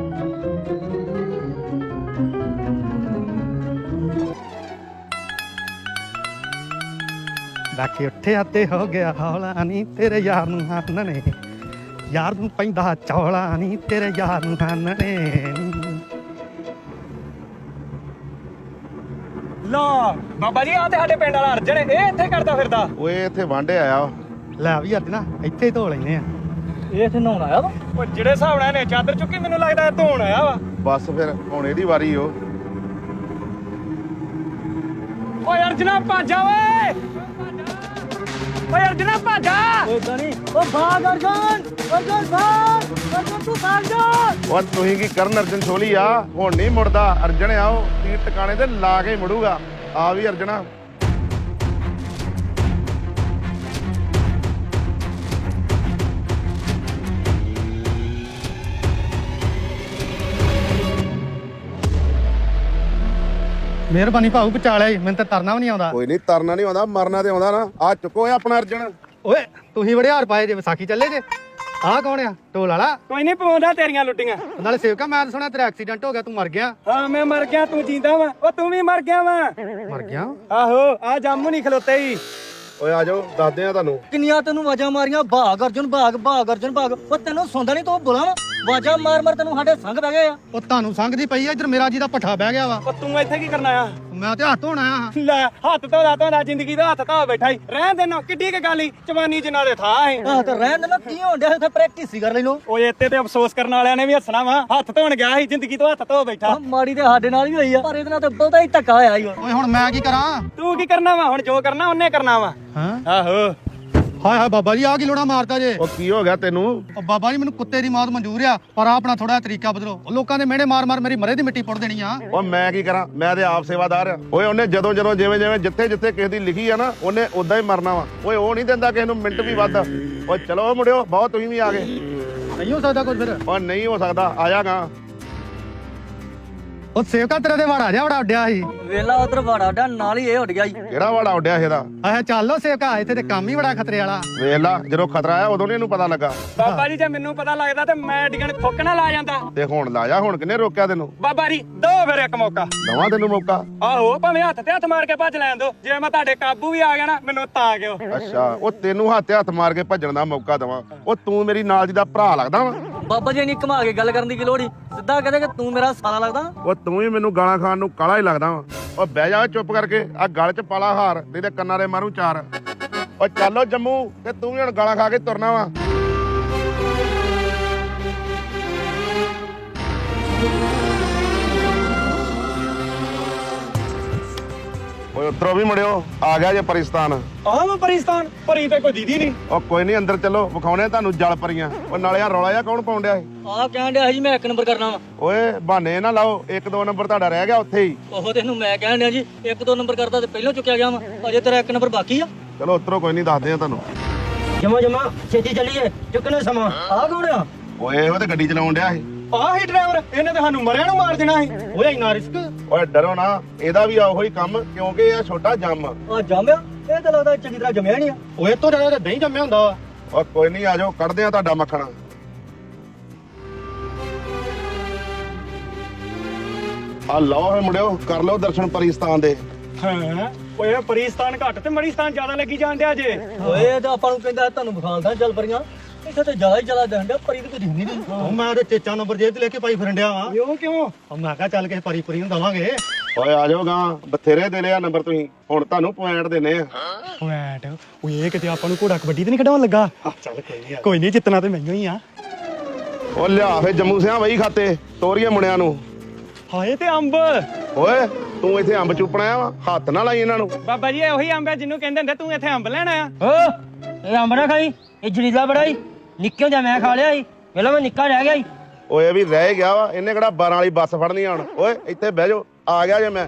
S6: ਬਾਕੀ ਉੱਠਿਆ ਤੇ ਹੋ ਗਿਆ ਹੌਲਾ ਨਹੀਂ ਤੇਰੇ ਯਾਰ ਨੂੰ ਹੰਨ ਨੇ, ਯਾਰ ਨੂੰ ਪੈਂਦਾ ਚੌਲਾ ਨਹੀਂ ਤੇਰੇ ਯਾਰ ਨੂੰ ਹੰਨ ਨੇ।
S1: ਲਾ ਬਾਬਾ ਜੀ ਆ ਤੇ ਸਾਡੇ ਪਿੰਡ ਵਾਲਾ ਅਰਜਨ, ਇਹ ਇੱਥੇ ਕਰਦਾ ਫਿਰਦਾ।
S5: ਓਏ ਇੱਥੇ ਵਾਂਡੇ ਆਇਆ ਵਾ।
S6: ਲੈ ਵੀ ਅੱਜ ਨਾ ਇੱਥੇ ਹੀ ਧੋ ਲੈਨੇ ਆ।
S4: ਇਹ ਇੱਥੇ ਨਹਾਉਣ ਆਇਆ ਵਾ?
S1: ਉਹ ਜਿਹੜੇ ਹਿਸਾਬ ਨਾਲ ਇਹਨੇ ਚਾਦਰ ਚੁੱਕੀ, ਮੈਨੂੰ ਲੱਗਦਾ ਇਹ ਧੋਣ ਆਇਆ ਵਾ।
S5: ਬਸ ਫਿਰ ਹੁਣ ਇਹਦੀ ਵਾਰੀ ਓ।
S1: ਓਏ ਅਰਜਨਾ ਭਾਜਾ ਓਏ, ਓਏ ਅਰਜਨਾ ਭਾਜਾ।
S4: ਓਏ ਗਣੀ ਓ ਭਾਗ ਅਰਜਨ, ਅਰਜਨ ਭਾਗ, ਅਰਜਨ ਤੂੰ ਭਾਗ ਜਾ।
S5: ਓ ਤੁਸੀਂ ਕੀ ਕਰਨ ਅਰਜਨ ਛੋਲੀ ਆ, ਹੁਣ ਨਹੀਂ ਮੁੜਦਾ। ਅਰਜਨ ਆਓ ਤੀਰ ਟਿਕਾਣੇ ਤੇ ਲਾ ਕੇ ਮੁੜੂਗਾ। ਆ ਵੀ ਅਰਜਨਾ।
S6: ਮਿਹਰਬਾਨੀ ਭਾਊ ਬਚਾ ਲਿਆ ਜੀ, ਮੈਨੂੰ ਤਾਂ ਤਰਨਾ ਵੀ ਨਹੀਂ ਆਉਂਦਾ।
S5: ਕੋਈ ਨਹੀਂ, ਤਰਨਾ ਨਹੀਂ ਆਉਂਦਾ, ਮਰਨਾ ਤੇ ਆਉਂਦਾ ਨਾ। ਆ ਚੁੱਕੋ ਆਪਣਾ ਅਰਜਨ।
S6: ਓਏ ਤੁਸੀਂ ਬੜੇ ਹਾਰ ਪਾਏ ਜੇ, ਵਿਸਾਖੀ ਚੱਲੇ ਜੇ। ਆਹ ਕੌਣ ਆ? ਢੋਲ ਵਾਲਾ?
S1: ਕੋਈ ਨਹੀਂ ਪਵਾਉਂਦਾ ਤੇਰੀਆਂ ਲੁੱਟੀਆਂ।
S6: ਨਾਲੇ ਸੇਵਕਾ ਮੈਂ ਤਾਂ ਸੁਣਿਆ ਤੇਰਾ ਐਕਸੀਡੈਂਟ ਹੋ ਗਿਆ, ਤੂੰ ਮਰ ਗਿਆ।
S1: ਹਾਂ ਮੈਂ ਮਰ ਗਿਆ, ਤੂੰ ਜਿੰਦਾ ਵਾ। ਉਹ ਤੂੰ ਵੀ ਮਰ ਗਿਆ ਵਾ।
S6: ਮਰ ਗਿਆ?
S1: ਆਹੋ ਆ ਜਾਮੂ ਨਹੀਂ ਖਲੋਤੇ ਹੀ।
S5: ਓਏ ਆ ਜਾਓ, ਦੱਸਦੇ ਆ ਤੁਹਾਨੂੰ।
S4: ਕਿੰਨੀਆਂ ਤੈਨੂੰ ਆਵਾਜ਼ਾਂ ਮਾਰੀਆਂ, ਭਾਗ ਅਰਜਨ ਭਾਗ, ਭਾਗ ਅਰਜਨ ਭਾਗ। ਉਹ ਤੈਨੂੰ ਸੁਣਦਾ ਨਹੀਂ, ਤੂੰ ਬੁਲਾ ਵਾ। ਆਵਾਜ਼ਾਂ ਮਾਰ ਮਾਰ ਤੈਨੂੰ ਸਾਡੇ ਸੰਗ ਬਹਿ ਗਏ ਆ।
S6: ਉਹ ਤੁਹਾਨੂੰ ਸੰਗਦੀ ਪਈ ਆ, ਇੱਧਰ ਮੇਰਾ ਜੀ ਦਾ ਪੱਠਾ ਬਹਿ ਗਿਆ ਵਾ।
S1: ਉਹ ਤੂੰ ਇੱਥੇ ਕੀ ਕਰਨਾ ਆ?
S6: ਮੈਂ ਤੇ ਹੱਥ ਧੋਣ ਆਇਆ ਹਾਂ।
S1: ਲੈ ਹੱਥ ਧੋਦਾ ਧੋਦਾ ਜ਼ਿੰਦਗੀ ਦਾ ਹੱਥ ਧੋ ਬੈਠਾ ਹੀ। ਰਹਿਣ ਦੇਣਾ, ਕਿੱਡੀ ਕੁ ਗੱਲ ਈ, ਜਵਾਨੀ ਚ ਨਾਲੇ ਥਾ ਹੈ।
S4: ਆਹ ਤੇ ਰਹਿਣ ਦੇ ਨਾ, ਕੀ ਹੋਣ ਡਿਆ ਉੱਥੇ ਪ੍ਰੈਕਟਿਸ ਹੀ ਕਰ ਲੈ ਲੋ।
S1: ਓਏ ਇੱਥੇ ਤੇ ਅਫਸੋਸ ਕਰਨ ਵਾਲਿਆਂ ਨੇ ਵੀ ਹੱਸਣਾ ਵਾ। ਹੱਥ ਧੋਣ ਗਿਆ ਸੀ, ਜ਼ਿੰਦਗੀ ਤੋਂ ਹੱਥ ਧੋ ਬੈਠਾ।
S4: ਮਾੜੀ ਤੇ ਸਾਡੇ ਨਾਲ ਵੀ ਹੋਈ ਆ, ਪਰ ਇਹਦੇ ਨਾਲ ਤੇ ਬਹੁਤਾ ਹੀ ਧੱਕਾ ਹੋਇਆ ਈ ਓ।
S6: ਓਏ ਹੁਣ ਮੈਂ ਕੀ ਕਰਾਂ?
S1: ਤੂੰ ਕੀ ਕਰਨਾ ਵਾ? ਹੁਣ ਜੋ ਕਰਨਾ ਉਹਨੇ ਕਰਨਾ ਵਾ।
S6: ਹਾਂ
S1: ਆਹੋ
S6: ਹਾਏ ਹਾਏ ਬਾਬਾ ਜੀ, ਆ ਕੀ ਲੋੜਾ ਮਾਰਦਾ ਜੇ?
S5: ਉਹ ਕੀ ਹੋ ਗਿਆ ਤੈਨੂੰ?
S6: ਉਹ ਬਾਬਾ ਜੀ ਮੈਨੂੰ ਕੁੱਤੇ ਦੀ ਮੌਤ ਮਨਜ਼ੂਰ ਆ, ਪਰ ਆ ਆਪਣਾ ਥੋੜਾ ਤਰੀਕਾ ਬਦਲੋ। ਉਹ ਲੋਕਾਂ ਦੇ ਮਿਹਣੇ ਮਾਰ ਮਾਰ ਮੇਰੀ ਮਰੇ ਦੀ ਮਿੱਟੀ ਪੁੱਟ ਦੇਣੀ ਆ।
S5: ਓ ਮੈਂ ਕੀ ਕਰਾਂ, ਮੈਂ ਤੇ ਆਪ ਸੇਵਾਦਾਰ ਆ। ਓਏ ਉਹਨੇ ਜਦੋਂ ਜਦੋਂ ਜਿਵੇਂ ਜਿਵੇਂ ਜਿੱਥੇ ਜਿੱਥੇ ਕਿਸੇ ਦੀ ਲਿਖੀ ਆ ਨਾ, ਉਹਨੇ ਉਦਾਂ ਹੀ ਮਰਨਾ ਵਾ। ਓਏ ਉਹ ਨਹੀਂ ਦਿੰਦਾ ਕਿਸੇ ਨੂੰ ਮਿੰਟ ਵੀ ਵੱਧ। ਓਏ ਚਲੋ ਮੁੰਡਿਓ, ਬਹੁਤ ਤੁਸੀਂ ਵੀ ਆ ਗਏ।
S6: ਨਹੀਂ ਹੋ ਸਕਦਾ ਕੁਝ ਫਿਰ?
S5: ਓ ਨਹੀਂ ਹੋ ਸਕਦਾ, ਆ ਜਾਗਾ।
S6: ਉਹ ਸੇਵਕਾ ਤੇਰੇ ਦੇ ਵਾੜਾ ਜਾ ਬੜਾ ਉੱਡਿਆ ਸੀ।
S4: ਵੇਲਾ ਉਧਰ ਵਾੜਾ ਡਾ ਨਾਲ ਹੀ ਇਹ ਉੱਡ ਗਿਆ ਈ।
S5: ਕਿਹੜਾ ਵਾੜਾ ਉੱਡਿਆ ਇਹਦਾ?
S6: ਆਹ ਚੱਲੋ ਸੇਵਕਾ, ਇੱਥੇ ਤੇ ਕੰਮ ਹੀ ਬੜਾ ਖਤਰੇ ਵਾਲਾ।
S5: ਵੇਖ ਲਾ, ਜਦੋਂ ਖਤਰਾ ਆਇਆ ਉਦੋਂ ਨਹੀਂ ਇਹਨੂੰ ਪਤਾ ਲੱਗਾ।
S1: ਬਾਬਾ ਜੀ ਜੇ ਮੈਨੂੰ ਪਤਾ ਲੱਗਦਾ ਤੇ ਮੈਂ ਡਿਗਣ ਖੋਕਣਾ ਲਾ ਜਾਂਦਾ।
S5: ਤੇ ਹੁਣ ਲਾਇਆ, ਹੁਣ ਕਿੰਨੇ ਰੋਕਿਆ ਤੈਨੂੰ?
S1: ਬਾਬਾ ਜੀ ਦੋ ਫਿਰ ਇੱਕ ਮੌਕਾ।
S5: ਦਵਾਂ ਤੈਨੂੰ ਮੌਕਾ।
S1: ਆਹੋ ਭਾਵੇਂ ਹੱਥ ਤੇ ਹੱਥ ਮਾਰ ਕੇ ਭੱਜ ਲੈਣ ਦੋ। ਜੇ ਮੈਂ ਤੁਹਾਡੇ ਕਾਬੂ ਵੀ ਆ ਗਿਆ ਨਾ, ਮੈਨੂੰ ਤਾਂ ਕਿਉਂ।
S5: ਅੱਛਾ, ਉਹ ਤੈਨੂੰ ਹੱਥ ਤੇ ਹੱਥ ਮਾਰ ਕੇ ਭੱਜਣ ਦਾ ਮੌਕਾ ਦਵਾਂ? ਉਹ ਤੂੰ ਮੇਰੀ ਨਾਲ ਦੀ ਦਾ ਭਰਾ ਲੱਗਦਾ ਵਾ?
S4: ਬਾਬਾ ਜੀ ਨਹੀਂ ਘੁਮਾ ਕੇ ਗੱਲ ਕਰਨ ਦੀ ਕੀ ਲੋੜ ਈ। ਸਿੱਧਾ ਕਹਦੇ ਕਿ ਤੂੰ ਮੇਰਾ ਸਾਲਾ ਲੱਗਦਾ।
S5: ਉਹ ਤੂੰ ਹੀ ਮੈਨੂੰ ਗਾਲਾਂ ਖਾਣ ਨੂੰ ਕਾਲਾ ਹੀ ਲੱਗਦਾ ਵਾ। ਓ ਬਹਿ ਜਾ ਚੁੱਪ ਕਰਕੇ, ਆ ਗਲ 'ਚ ਪਾਲਾ ਹਾਰ, ਨਹੀਂ ਤੇ ਕੰਨਾਂ ਦੇ ਮਾਰੂ ਚਾਰ। ਓ ਚੱਲੋ ਜੰਮੂ, ਤੇ ਤੂੰ ਵੀ ਹੁਣ ਗਾਲਾਂ ਖਾ ਕੇ ਤੁਰਨਾ ਵਾ। ਓਏ ਉਤਰੋ ਵੀ ਮੁੜਿਓ, ਆ ਗਿਆ ਜੇ ਪਰਿਸਤਾਨ।
S1: ਆਹ ਮੈਂ ਪਰਿਸਤਾਨ ਭਰੀ ਤੇ ਕੋਈ ਦੀਦੀ ਨਹੀਂ।
S5: ਓ ਕੋਈ ਨਹੀਂ, ਅੰਦਰ ਚੱਲੋ, ਵਿਖਾਉਣੇ ਤੁਹਾਨੂੰ ਜਲ ਪਰੀਆਂ। ਓ ਨਾਲੇ ਆ ਰੌਲਾ ਜਿਹਾ ਕੌਣ ਪਾਉਣ ਡਿਆ ਸੀ?
S4: ਆਹ ਕਹਿਣ ਡਿਆ ਜੀ ਮੈਂ ਇੱਕ ਨੰਬਰ ਕਰਨਾ ਵਾ।
S5: ਓਏ ਬਹਾਨੇ ਨਾ ਲਾਓ, ਇੱਕ ਦੋ ਨੰਬਰ ਤੁਹਾਡਾ ਰਹਿ ਗਿਆ ਉੱਥੇ ਹੀ।
S4: ਉਹ ਤੈਨੂੰ ਮੈਂ ਕਹਿਣ ਡਿਆ ਜੀ ਇੱਕ ਦੋ ਨੰਬਰ ਕਰਦਾ ਤੇ ਪਹਿਲਾਂ ਚੁੱਕਿਆ ਗਿਆ ਵਾ, ਅਜੇ ਤੇਰਾ ਇੱਕ ਨੰਬਰ ਬਾਕੀ ਆ।
S5: ਚਲੋ ਉਤਰੋ, ਕੋਈ ਨਹੀਂ, ਦੱਸਦੇ ਆ ਤੁਹਾਨੂੰ।
S4: ਜਮਾ ਜਮਾ ਛੇਤੀ ਚੱਲੀਏ, ਚੁੱਕਣੇ ਸਮਾਂ। ਆਹ ਕੌਣ ਆ?
S5: ਓਏ ਉਹ ਤੇ ਗੱਡੀ ਚਲਾਉਣ ਡਿਆ ਸੀ।
S1: ਆਹ ਹੀ ਡਰਾਈਵਰ, ਇਹਨੇ ਤੇ ਸਾਨੂੰ ਮਰਿਆ ਨੂੰ ਮਾਰ ਦੇਣਾ ਸੀ।
S4: ਓਏ ਇੰਨਾ ਰਿਸਕ।
S5: ਓਏ ਡਰੋ ਨਾ, ਇਹਦਾ ਵੀ ਉਹੀ ਕੰਮ, ਕਿਉਂਕਿ ਇਹ ਛੋਟਾ ਜੰਮ।
S4: ਆ ਜੰਮਿਆ? ਇਹ ਤਾਂ ਲੱਗਦਾ ਚੰਗੀ ਤਰ੍ਹਾਂ ਜੰਮਿਆ ਨਹੀਂ ਆ।
S6: ਓਏ ਤੋਂ ਜ਼ਿਆਦਾ ਤਾਂ ਦਹੀਂ ਜੰਮਿਆ ਹੁੰਦਾ ਵਾ।
S5: ਓ ਕੋਈ ਨਹੀਂ, ਆਜੋ ਕੱਢਦੇ ਆ ਤੁਹਾਡਾ ਮੱਖਣ। ਆ ਲਓ ਫੇ ਮੁੰਡਿਓ, ਕਰ ਲਓ ਦਰਸ਼ਨ ਪਰਿਸਤਾਨ ਦੇ।
S1: ਹਾਂ ਓਏ ਪਰਿਸਤਾਨ ਘੱਟ ਤੇ ਮੜੀਸਤਾਨ ਜ਼ਿਆਦਾ ਲੱਗੀ ਜਾਂਦੇ ਜੇ।
S4: ਓਏ ਇਹ ਤਾਂ ਆਪਾਂ ਨੂੰ ਕਹਿੰਦਾ ਤੁਹਾਨੂੰ ਵਿਖਾਲਦਾ ਚੱਲ ਪਰੀਆਂ, ਇੱਥੇ ਤੇ ਜ਼ਿਆਦਾ ਹੀ ਜ਼ਿਆਦਾ ਦਿਖਦਾ, ਪਰੀ ਤੇ ਕੋਈ ਦਿਖਦੀ ਨਹੀਂ।
S6: ਉਹ ਮੈਂ ਤੇ ਚੇਚਾ ਨੰਬਰ ਜੇਬ 'ਚ ਲੈ ਕੇ ਪਾਈ ਫਿਰਨ ਡਿਆ ਵਾਂ।
S1: ਕਿਉਂ ਕਿਉਂ?
S6: ਉਹ ਮੈਂ ਕਿਹਾ ਚੱਲ ਕੇ ਪਰੀ ਪਰੀ ਨੂੰ ਦਵਾਂਗੇ।
S5: ਓਏ ਆਜੋ ਗਾਂ, ਬਥੇਰੇ ਦੇ ਲਿਆ ਨੰਬਰ ਤੁਸੀਂ, ਹੁਣ ਤੁਹਾਨੂੰ ਪੁਆਇੰਟ ਦੇਣੇ ਆ।
S1: ਪੁਆਇੰਟ? ਓਏ ਇਹ ਕਿਤੇ ਆਪਾਂ ਨੂੰ ਘੋੜਾ ਕਬੱਡੀ ਤੇ ਨਹੀਂ ਖਿਡਾਉਣ ਲੱਗਾ?
S6: ਚੱਲ ਕੋਈ ਨਹੀਂ।
S1: ਕੋਈ ਨਹੀਂ, ਜਿੱਤਣਾ ਤੇ ਮੈਨੂੰ ਹੀ ਆ।
S5: ਓ ਲਿਆ ਫੇ ਜੰਮੂ ਸਿਆਂ ਵਹੀ ਖਾਤੇ ਤੋਰੀਏ ਮੁੰਡਿਆਂ ਨੂੰ।
S1: ਹਾਏ ਤੇ ਅੰਬ।
S5: ਓਏ ਤੂੰ ਇੱਥੇ ਅੰਬ ਚੁੱਪਣਾ ਆ ਵਾ, ਹੱਥ ਨਾ ਲਾਈ ਇਹਨਾਂ ਨੂੰ।
S1: ਬਾਬਾ ਜੀ ਇਹ ਉਹੀ ਅੰਬ ਹੈ ਜਿਹਨੂੰ ਕਹਿੰਦੇ ਹੁੰਦੇ ਤੂੰ ਇੱਥੇ ਅੰਬ ਲੈਣ ਆਇਆ।
S7: ਓ ਇਹ ਅੰਬ ਨਾ ਖਾਈ, ਇਹ ਜਰੀਲਾ ਬੜਾ ਹੀ ਨਿੱਕੇ ਜਾਂ ਮੈਂ ਖਾ ਲਿਆ ਸੀ, ਪਹਿਲਾਂ ਮੈਂ ਨਿੱਕਾ ਰਹਿ ਗਿਆ ਸੀ।
S5: ਓਏ ਵੀ ਰਹਿ ਗਿਆ ਵਾ, ਇਹਨੇ ਕਿਹੜਾ ਬਾਰਾਂ ਵਾਲੀ ਬੱਸ ਫੜਨੀ ਹੁਣ। ਓਏ ਇੱਥੇ ਬਹਿ ਜਾਓ, ਆ ਗਿਆ ਜੇ ਮੈਂ।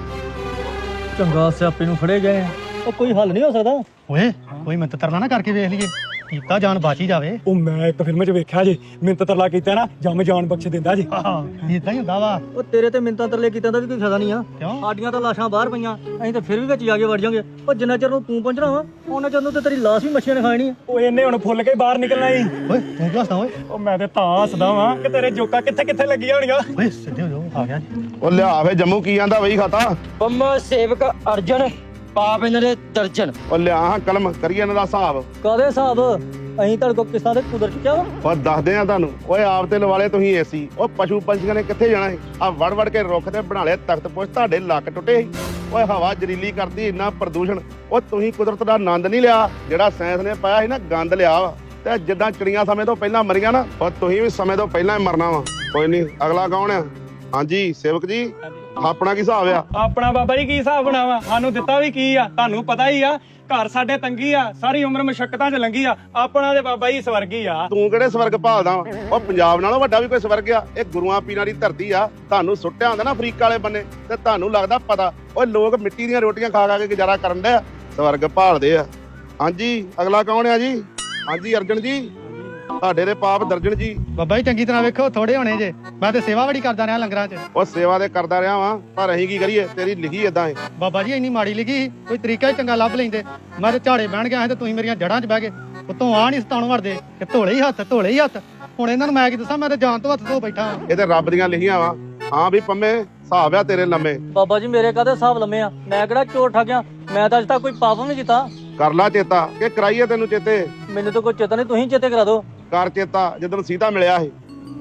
S4: ਚੰਗਾ ਸਿਆਪੇ ਨੂੰ ਫੜੇ ਗਏ। ਉਹ ਕੋਈ ਹੱਲ ਨਹੀਂ ਹੋ ਸਕਦਾ?
S6: ਓਏ ਕੋਈ ਮਿੰਤ ਤਰਲਾ ਨਾ ਕਰਕੇ ਵੇਖ ਲਈਏ, ਕੀਤਾ ਜਾਨ ਬਚ ਹੀ ਜਾਵੇ।
S1: ਉਹ ਮੈਂ ਇੱਕ ਫਿਲਮ 'ਚ ਵੇਖਿਆ ਜੇ, ਮਿੰਤ ਤਰਲਾ ਕੀਤਾ ਨਾ ਜੰਮ ਜਾਨ ਬਖਸ਼ ਦਿੰਦਾ ਜੀ।
S6: ਆਹ ਇਦਾਂ ਹੀ ਹੁੰਦਾ ਵਾ।
S4: ਉਹ ਤੇਰੇ ਤੇ ਮਿੰਤਾਂ ਤਰਲੇ ਕੀਤਾਂ ਦਾ ਵੀ ਕੋਈ ਫਾਇਦਾ ਨਹੀਂ ਆ।
S6: ਕਿਉਂ?
S4: ਸਾਡੀਆਂ ਤਾਂ ਲਾਸ਼ਾਂ ਬਾਹਰ ਪਈਆਂ, ਅਸੀਂ ਤਾਂ ਫਿਰ ਵੀ ਵਿੱਚ ਜਾ ਕੇ ਵੜ ਜਾਾਂਗੇ। ਉਹ ਜਿੰਨਾ ਚਿਰ ਨੂੰ ਤੂੰ ਪਹੁੰਚਣਾ ਵਾ, ਉਹਨਾਂ ਚਿਰ ਨੂੰ ਤੇ ਤੇਰੀ ਲਾਸ਼ ਵੀ ਮੱਛੀਆਂ ਨੇ ਖਾਣੀ ਆ।
S1: ਉਹ ਇਹਨੇ ਹੁਣ ਫੁੱਲ ਕੇ ਬਾਹਰ ਨਿਕਲਣਾ ਹੀ।
S6: ਓਏ ਤੂੰ ਕਿਉਂ ਹੱਸਦਾ ਓਏ?
S1: ਉਹ ਮੈਂ ਤੇ ਤਾਂ ਹੱਸਦਾ ਵਾਂ ਕਿ ਤੇਰੇ ਜੋਕਾਂ ਕਿੱਥੇ ਕਿੱਥੇ ਲੱਗੀਆਂ ਹੋਣੀਆਂ।
S6: ਓਏ ਸਿੱਧੇ ਹੋ ਜਾਓ, ਆ ਗਿਆ ਜੀ।
S5: ਓ ਲਿਆ ਫੇ ਜੰਮੂ ਕੀ ਆਂਦਾ ਵਹੀ ਖਾਤਾ।
S7: ਬੰਮਾ ਸੇਵਕ ਅਰਜਨ, ਪਾਪ ਇਹਨਾਂ ਦੇ ਦਰਜਨ।
S5: ਓ ਲਿਆ ਹਾਂ ਕਲਮ, ਕਰੀਏ ਇਹਨਾਂ ਦਾ ਹਿਸਾਬ।
S4: ਕਾਦੇ ਹਿਸਾਬ? ਅਸੀਂ ਤੁਹਾਡੇ ਕੋਲ ਕਿਸਾਂ ਦੇ ਕੁਦਰ ਚੁੱਕਿਆ ਵਾ।
S5: ਓ ਦੱਸਦੇ ਆ ਤੁਹਾਨੂੰ। ਓਏ ਆਪ ਤੇ ਲਵਾਲੇ ਤੁਸੀਂ ਏਸੀ। ਓ ਪਸ਼ੂ ਪੰਛੀਆਂ ਨੇ ਕਿੱਥੇ ਜਾਣਾ ਸੀ? ਆ ਵੜ ਵੜ ਕੇ ਰੁੱਖ ਤੇ ਬਣਾ ਲਿਆ ਤਖਤ ਪੁਸ਼, ਤੁਹਾਡੇ ਲੱਕ ਟੁੱਟੇ ਸੀ। ਓਏ ਹਵਾ ਜ਼ਰੀਲੀ ਕਰਦੀ, ਇੰਨਾ ਪ੍ਰਦੂਸ਼ਣ। ਓ ਤੁਸੀਂ ਕੁਦਰਤ ਦਾ ਆਨੰਦ ਨਹੀਂ ਲਿਆ, ਜਿਹੜਾ ਸਾਇੰਸ ਨੇ ਪਾਇਆ ਸੀ ਨਾ, ਗੰਦ ਲਿਆ ਵਾ। ਤੇ ਜਿੱਦਾਂ ਚਿੜੀਆਂ ਸਮੇਂ ਤੋਂ ਪਹਿਲਾਂ ਮਰੀਆਂ ਨਾ, ਓ ਤੁਸੀਂ ਵੀ ਸਮੇਂ ਤੋਂ ਪਹਿਲਾਂ ਹੀ ਮਰਨਾ ਵਾ। ਕੋਈ ਨਹੀਂ, ਅਗਲਾ ਕੌਣ ਆ? ਹਾਂਜੀ ਸੇਵਕ ਜੀ, ਆਪਣਾ ਕੀ ਹਿਸਾਬ ਆ?
S1: ਆਪਣਾ ਬਾਬਾ ਜੀ ਕੀ ਹਿਸਾਬ ਬਣਾਵਾ? ਸਾਨੂੰ ਦਿੱਤਾ ਵੀ ਕੀ ਆ, ਤੁਹਾਨੂੰ ਪਤਾ ਹੀ ਆ। ਘਰ ਸਾਡੇ ਤੰਗੀ ਆ, ਸਾਰੀ ਉਮਰ ਮੁਸ਼ੱਕਤਾਂ 'ਚ ਲੰਘੀ ਆ। ਆਪਣਾ ਤੇ ਬਾਬਾ ਜੀ ਸਵਰਗੀ ਆ।
S5: ਤੂੰ ਕਿਹੜੇ ਸਵਰਗ ਭਾਲਦਾ ਵਾ? ਉਹ ਪੰਜਾਬ ਨਾਲੋਂ ਵੱਡਾ ਵੀ ਕੋਈ ਸਵਰਗ ਆ? ਇਹ ਗੁਰੂਆਂ ਪੀਰਾਂ ਦੀ ਧਰਤੀ ਆ। ਤੁਹਾਨੂੰ ਸੁੱਟਿਆ ਹੁੰਦਾ ਨਾ ਅਫਰੀਕਾ ਵਾਲੇ ਬੰਨੇ, ਤੇ ਤੁਹਾਨੂੰ ਲੱਗਦਾ ਪਤਾ। ਓਏ ਲੋਕ ਮਿੱਟੀ ਦੀਆਂ ਰੋਟੀਆਂ ਖਾ ਖਾ ਕੇ ਗੁਜ਼ਾਰਾ ਕਰਨ ਦੇ, ਸਵਰਗ ਭਾਲਦੇ ਆ। ਹਾਂਜੀ ਅਗਲਾ ਕੌਣ ਆ ਜੀ? ਹਾਂਜੀ ਅਰਜਨ ਜੀ, ਤੁਹਾਡੇ ਦੇ ਪਾਪ ਦਰਜਨ ਜੀ।
S6: ਬਾਬਾ ਜੀ ਚੰਗੀ ਤਰ੍ਹਾਂ ਵੇਖੋ, ਥੋੜੇ ਹੋਣੇ ਜੇ। ਮੈਂ ਤੇ ਸੇਵਾ ਬੜੀ ਕਰਦਾ ਰਿਹਾ ਲੰਗਰਾਂ 'ਚ।
S5: ਉਹ ਸੇਵਾ ਤੇ ਕਰਦਾ ਰਿਹਾ ਵਾਂ, ਪਰ ਅਸੀਂ ਕੀ ਕਰੀਏ? ਤੇਰੀ ਲਿਖੀ ਏਦਾਂ ਏ।
S6: ਬਾਬਾ ਜੀ ਇੰਨੀ ਮਾੜੀ ਲਿਖੀ ਸੀ, ਕੋਈ ਤਰੀਕਾ ਹੀ ਚੰਗਾ ਲੱਭ ਲੈਂਦੇ। ਮੈਂ ਤੇ ਝਾੜੇ ਬਹਿਣ ਗਿਆ ਸੀ ਤੇ ਤੁਸੀਂ ਮੇਰੀਆਂ ਜੜ੍ਹਾਂ 'ਚ ਬਹਿ ਗਏ। ਉਤੋਂ ਆ ਨਹੀਂ ਸਤਾਉਣ ਵੜਦੇ ਕਿ ਧੋਲੇ ਹੀ ਹੱਥ, ਧੋਲੇ ਹੀ ਹੱਥ। ਹੁਣ ਇਹਨਾਂ ਨੂੰ ਮੈਂ ਕੀ ਦੱਸਾਂ, ਮੈਂ ਤੇ ਜਾਨ ਤੋਂ ਹੱਥ ਧੋ ਬੈਠਾ ਹਾਂ।
S5: ਇਹ ਤੇ ਰੱਬ ਦੀਆਂ ਲਿਖੀਆਂ ਵਾ। ਹਾਂ ਵੀ ਪੰਮੇ, ਹਿਸਾਬ ਆ ਤੇਰੇ ਲੰਮੇ।
S4: ਬਾਬਾ ਜੀ ਮੇਰੇ ਕਾਹਦੇ ਹਿਸਾਬ ਲੰਮੇ ਆ? ਮੈਂ ਕਿਹੜਾ ਚੋਰ ਠੱਗਿਆ? ਮੈਂ ਤਾਂ ਅਜੇ ਤੱਕ ਕੋਈ ਪਾਪ ਨਹੀਂ ਕੀਤਾ।
S5: ਕਰ ਲਾ ਚੇਤਾ, ਕਿ ਕਰਾਈਏ ਤੈਨੂੰ ਚੇਤੇ?
S4: ਮੈਨੂੰ ਤਾਂ ਕੋਈ ਚੇਤਾ ਨਹੀਂ, ਤੁਸੀਂ ਚੇਤੇ ਕਰਾ ਦਿਓ।
S5: ਕਰ ਚੇਤਾ, ਜਦੋਂ ਸੀਤਾ ਮਿਲਿਆ ਸੀ।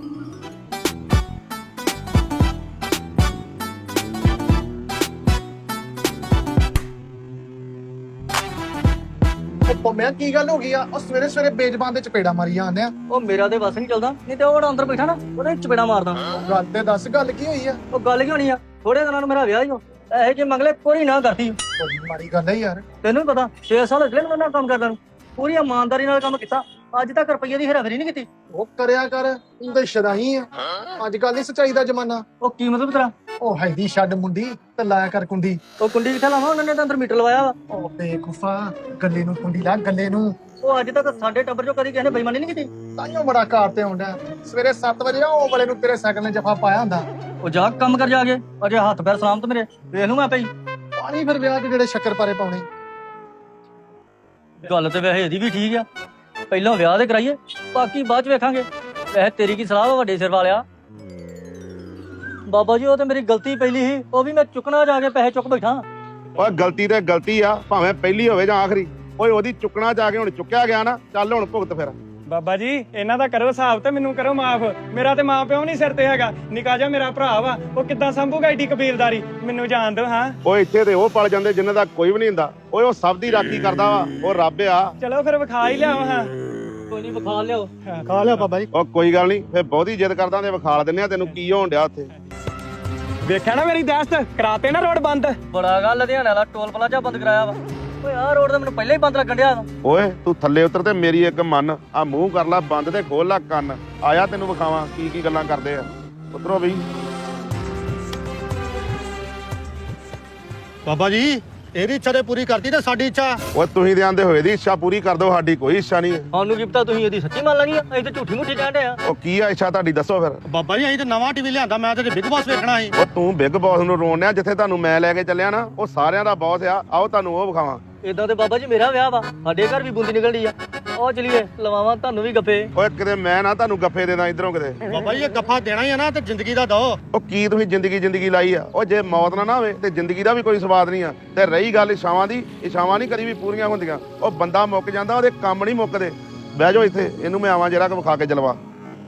S8: ਪੰਮਿਆ ਕੀ ਗੱਲ ਹੋ ਗਈ ਆ? ਉਹ ਸਵੇਰੇ ਸਵੇਰੇ ਬੇਜ਼ਬਾਨ ਦੇ ਚਪੇੜਾ ਮਾਰੀ ਜਾਂਦੇ ਆ।
S4: ਉਹ ਮੇਰਾ ਤੇ ਬਸ ਨਹੀਂ ਚੱਲਦਾ, ਨਹੀਂ ਤੇ ਉਹ ਬੜਾ ਅੰਦਰ ਬੈਠਾ ਨਾ, ਉਹਦੇ ਚਪੇੜਾ ਮਾਰਦਾ।
S8: ਗੱਲ ਤੇ ਦੱਸ, ਗੱਲ ਕੀ ਹੋਈ ਆ?
S4: ਉਹ ਗੱਲ ਕੀ ਹੋਣੀ ਆ? ਥੋੜੇ ਦਿਨਾਂ ਨੂੰ ਮੇਰਾ ਵਿਆਹ ਹੀ ਹੋ, ਇਹੋ ਜਿਹੇ ਮੰਗਲੇ ਕੋਈ ਨਾ ਕਰਦੀ।
S8: ਬੜੀ ਮਾੜੀ ਗੱਲ ਹੈ ਯਾਰ।
S4: ਤੈਨੂੰ ਵੀ ਪਤਾ ਛੇ ਸਾਲ ਅਗਲੇ ਨੂੰ ਕੰਮ ਕਰਦਾ ਨੂੰ, ਪੂਰੀ ਇਮਾਨਦਾਰੀ ਨਾਲ ਕੰਮ ਕੀਤਾ। ਅੱਜ ਤੱਕ ਰੁਪਈਏ ਦੀ ਹੇਰਾਫੇਰੀ ਨਹੀਂ ਕੀਤੀ।
S8: ਉਹ ਕਰਿਆ ਕਰ, ਤੂੰ ਤਾਂ ਸ਼ਦਾਈ ਆ। ਅੱਜ ਕੱਲ ਨਹੀਂ ਸੱਚਾਈ ਦਾ ਜ਼ਮਾਨਾ।
S4: ਉਹ ਕੀ ਮਤਲਬ ਤੇਰਾ?
S8: ਉਹ ਹੈਦੀ ਛੱਡ ਮੁੰਡੀ ਤੇ ਲਾਇਆ ਕਰ ਕੁੰਡੀ।
S4: ਉਹ ਕੁੰਡੀ ਕਿੱਥੇ ਲਾਵਾਂ? ਉਹਨਾਂ ਨੇ ਤਾਂ ਅੰਦਰ ਮੀਟਰ ਲਵਾਇਆ ਵਾ।
S8: ਉਹ ਬੇਕੂਫਾ, ਗੱਲੇ ਨੂੰ ਕੁੰਡੀ ਲਾ, ਗੱਲੇ ਨੂੰ।
S4: ਉਹ ਅੱਜ ਤੱਕ ਸਾਡੇ ਟੱਬਰ ਚੋਂ ਕਦੀ ਕਿਸੇ ਨੇ ਬੇਈਮਾਨੀ ਨਹੀਂ ਕੀਤੀ।
S8: ਤਾਈਓ ਬੜਾ ਕਾਰ ਤੇ ਆਉਂਦਾ। ਸਵੇਰੇ ਸੱਤ ਵਜੇ ਆ ਉਹ ਵਾਲੇ ਨੂੰ ਤੇਰੇ ਸਾਈਕਲ ਨੇ ਜਫਾ ਪਾਇਆ ਹੁੰਦਾ।
S4: ਉਹ ਜਾ ਕੰਮ ਕਰ ਜਾ ਕੇ, ਅਜੇ ਹੱਥ ਪੈਰ ਸਲਾਮਤ ਮੇਰੇ, ਵੇਖ ਲੂ ਮੈਂ ਪਈ।
S8: ਪਾਣੀ ਫਿਰ ਵਿਆਹ 'ਚ ਜਿਹੜੇ ਸ਼ੱਕਰ ਪਾਰੇ ਪਾਉਣੇ।
S4: ਗੱਲ ਤੇ ਵੈਸੇ ਇਹਦੀ ਵੀ ਠੀਕ ਆ, ਪਹਿਲਾਂ ਵਿਆਹ ਦੇ ਕਰਾਈਏ, ਬਾਕੀ ਬਾਅਦ ਚ ਵੇਖਾਂਗੇ। ਵੈਸੇ ਤੇਰੀ ਕੀ ਸਲਾਹ ਵਾ ਵੱਡੇ ਸਿਰ ਵਾਲਿਆ? ਬਾਬਾ ਜੀ ਉਹ ਤੇ ਮੇਰੀ ਗਲਤੀ ਪਹਿਲੀ ਸੀ, ਉਹ ਵੀ ਮੈਂ ਚੁੱਕਣਾ ਜਾ ਕੇ ਪੈਸੇ ਚੁੱਕ ਬੈਠਾ।
S5: ਓਏ ਗਲਤੀ ਤੇ ਗਲਤੀ ਆ, ਭਾਵੇਂ ਪਹਿਲੀ ਹੋਵੇ ਜਾਂ ਆਖਰੀ। ਓਏ ਉਹਦੀ ਚੁੱਕਣਾ ਜਾ ਕੇ ਹੁਣ ਚੁੱਕਿਆ ਗਿਆ ਨਾ, ਚੱਲ ਹੁਣ ਭੁਗਤ ਫਿਰ।
S1: ਬਾਬਾ ਜੀ ਇਹਨਾਂ ਦਾ ਕਰੋ ਹਿਸਾਬ ਤੇ ਮੈਨੂੰ ਕਰੋ ਮਾਫ। ਮੇਰਾ ਤੇ ਮਾਂ ਪਿਓ ਨਹੀਂ ਸਿਰ ਤੇ ਹੈਗਾ, ਨਿੱਕਾ ਜਿਹਾ ਮੇਰਾ ਭਰਾ ਵਾ, ਉਹ ਕਿੱਦਾਂ ਸੰਭੂਗਾ ਏਡੀ ਕਬੀਲਦਾਰੀ? ਮੈਨੂੰ ਜਾਣ ਦਿਓ। ਹਾਂ
S5: ਓਏ ਇੱਥੇ ਤੇ ਉਹ ਪਲ ਜਾਂਦੇ ਜਿਨ੍ਹਾਂ ਦਾ ਕੋਈ ਵੀ ਨਹੀਂ ਹੁੰਦਾ। ਓਏ ਉਹ ਸਭ ਦੀ ਰਾਖੀ ਕਰਦਾ ਵਾ, ਉਹ ਰੱਬ ਆ।
S1: ਚਲੋ ਫਿਰ ਵਿਖਾ ਹੀ ਲਿਆਓ। ਹਾਂ
S7: ਕੋਈ ਨਹੀਂ ਵਿਖਾ ਲਿਓ।
S6: ਖਾ ਲਿਆ ਬਾਬਾ ਜੀ।
S5: ਉਹ ਕੋਈ ਗੱਲ ਨਹੀਂ, ਫੇਰ ਬਹੁਤੀ ਜਿੱਦ ਕਰਦਾ ਤੇ ਵਿਖਾਲ ਦਿੰਨੇ ਆ ਤੈਨੂੰ ਕੀ ਹੋਣ ਡਿਆ ਉੱਥੇ।
S1: ਵੇਖਿਆ ਨਾ ਮੇਰੀ ਦਸਤ, ਕਰਾਤੇ ਨਾ ਰੋਡ ਬੰਦ।
S4: ਬੜਾ ਗੱਲ ਲੁਧਿਆਣਾ ਵਾਲਾ ਟੋਲ ਪਲਾਜ਼ਾ ਬੰਦ ਕਰਾਇਆ ਵਾ। ਓਏ ਆਹ ਰੋਡ ਤਾਂ ਮੈਨੂੰ ਪਹਿਲਾਂ ਹੀ ਬੰਦ ਲੱਗਣ ਡਿਆ ਵਾ।
S5: ਓਏ ਤੂੰ ਥੱਲੇ ਉਤਰ ਤੇ ਮੇਰੀ ਇੱਕ ਮੰਨ, ਆ ਮੂੰਹ ਕਰ ਲੈ ਬੰਦ ਤੇ ਖੋਲ ਲੈ ਕੰਨ। ਆਇਆ ਤੈਨੂੰ ਵਿਖਾਵਾਂ ਕੀ ਕੀ ਗੱਲਾਂ ਕਰਦੇ ਆ। ਉਤਰੋ ਬਈ।
S6: ਬਾਬਾ ਜੀ ਇਹਦੀ ਇੱਛਾ ਤੇ ਪੂਰੀ ਕਰਤੀ ਤੇ ਸਾਡੀ ਇੱਛਾ।
S5: ਓਏ ਤੁਸੀਂ ਦੇ ਆਂਦੇ ਹੋਏ ਦੀ ਇੱਛਾ ਪੂਰੀ ਕਰ ਦਿਓ, ਸਾਡੀ ਕੋਈ ਇੱਛਾ ਨਹੀਂ।
S4: ਸਾਨੂੰ ਕੀ ਪਤਾ ਤੁਸੀਂ ਇਹਦੀ ਸੱਚੀ ਮੰਨ ਲੈਣੀ ਆ, ਅਸੀਂ ਤਾਂ ਝੂਠੀ ਮੁੱਠੀ ਕਹਿਣ ਡਏ ਆ।
S5: ਉਹ ਕੀ ਆ ਇੱਛਾ ਤੁਹਾਡੀ ਦੱਸੋ ਫਿਰ।
S6: ਬਾਬਾ ਜੀ ਅਸੀਂ ਤੇ ਨਵਾਂ ਟੀਵੀ ਲਿਆਂਦਾ, ਮੈਂ ਤੇ ਬਿਗ ਬਾਸ ਵੇਖਣਾ ਸੀ।
S5: ਉਹ ਤੂੰ ਬਿੱਗ ਬੌਸ ਨੂੰ ਰੋਣਿਆ, ਜਿੱਥੇ ਤੁਹਾਨੂੰ ਮੈਂ ਲੈ ਕੇ ਚੱਲਿਆ ਨਾ ਉਹ ਸਾਰਿਆਂ ਦਾ ਬੌਸ ਆ। ਆਓ ਤੁਹਾਨੂੰ ਉਹ ਵਿਖਾਵਾਂ।
S4: ਇਦਾਂ ਤੇ ਬਾਬਾ ਜੀ ਮੇਰਾ ਵਿਆਹ ਵਾ, ਸਾਡੇ ਘਰ ਵੀ ਬੂੰਦੀ ਨਿਕਲਦੀ ਆ। ਆਓ ਚਲੀਏ ਲਵਾਵਾਂ ਤੁਹਾਨੂੰ ਵੀ ਗੱਫੇ।
S5: ਓਏ ਕਿਤੇ ਮੈਂ ਨਾ ਤੁਹਾਨੂੰ ਗੱਫੇ ਦੇ ਦਾਂ ਇਧਰੋਂ ਕਿਤੇ।
S6: ਬਾਬਾ ਜੀ ਇਹ ਗੱਫਾ ਦੇਣਾ ਹੀ ਆ ਨਾ ਤੇ ਜ਼ਿੰਦਗੀ ਦਾ ਦੋ।
S5: ਉਹ ਕੀ ਤੁਸੀਂ ਜ਼ਿੰਦਗੀ ਜ਼ਿੰਦਗੀ ਲਾਈ ਆ? ਉਹ ਜੇ ਮੌਤ ਨਾ ਨਾ ਹੋਵੇ ਤੇ ਜ਼ਿੰਦਗੀ ਦਾ ਵੀ ਕੋਈ ਸਵਾਦ ਨਹੀਂ ਆ। ਤੇ ਰਹੀ ਗੱਲ ਇਛਾਵਾਂ ਦੀ, ਇਛਾਵਾਂ ਨਹੀਂ ਕਦੀ ਵੀ ਪੂਰੀਆਂ ਹੁੰਦੀਆਂ। ਉਹ ਬੰਦਾ ਮੁੱਕ ਜਾਂਦਾ, ਉਹਦੇ ਕੰਮ ਨਹੀਂ ਮੁੱਕਦੇ। ਬਹਿ ਜਾਓ ਇੱਥੇ, ਇਹਨੂੰ ਮੈਂ ਆਵਾਂ ਜਰਾ ਕਿ ਵਿਖਾ ਕੇ ਜਲਵਾ।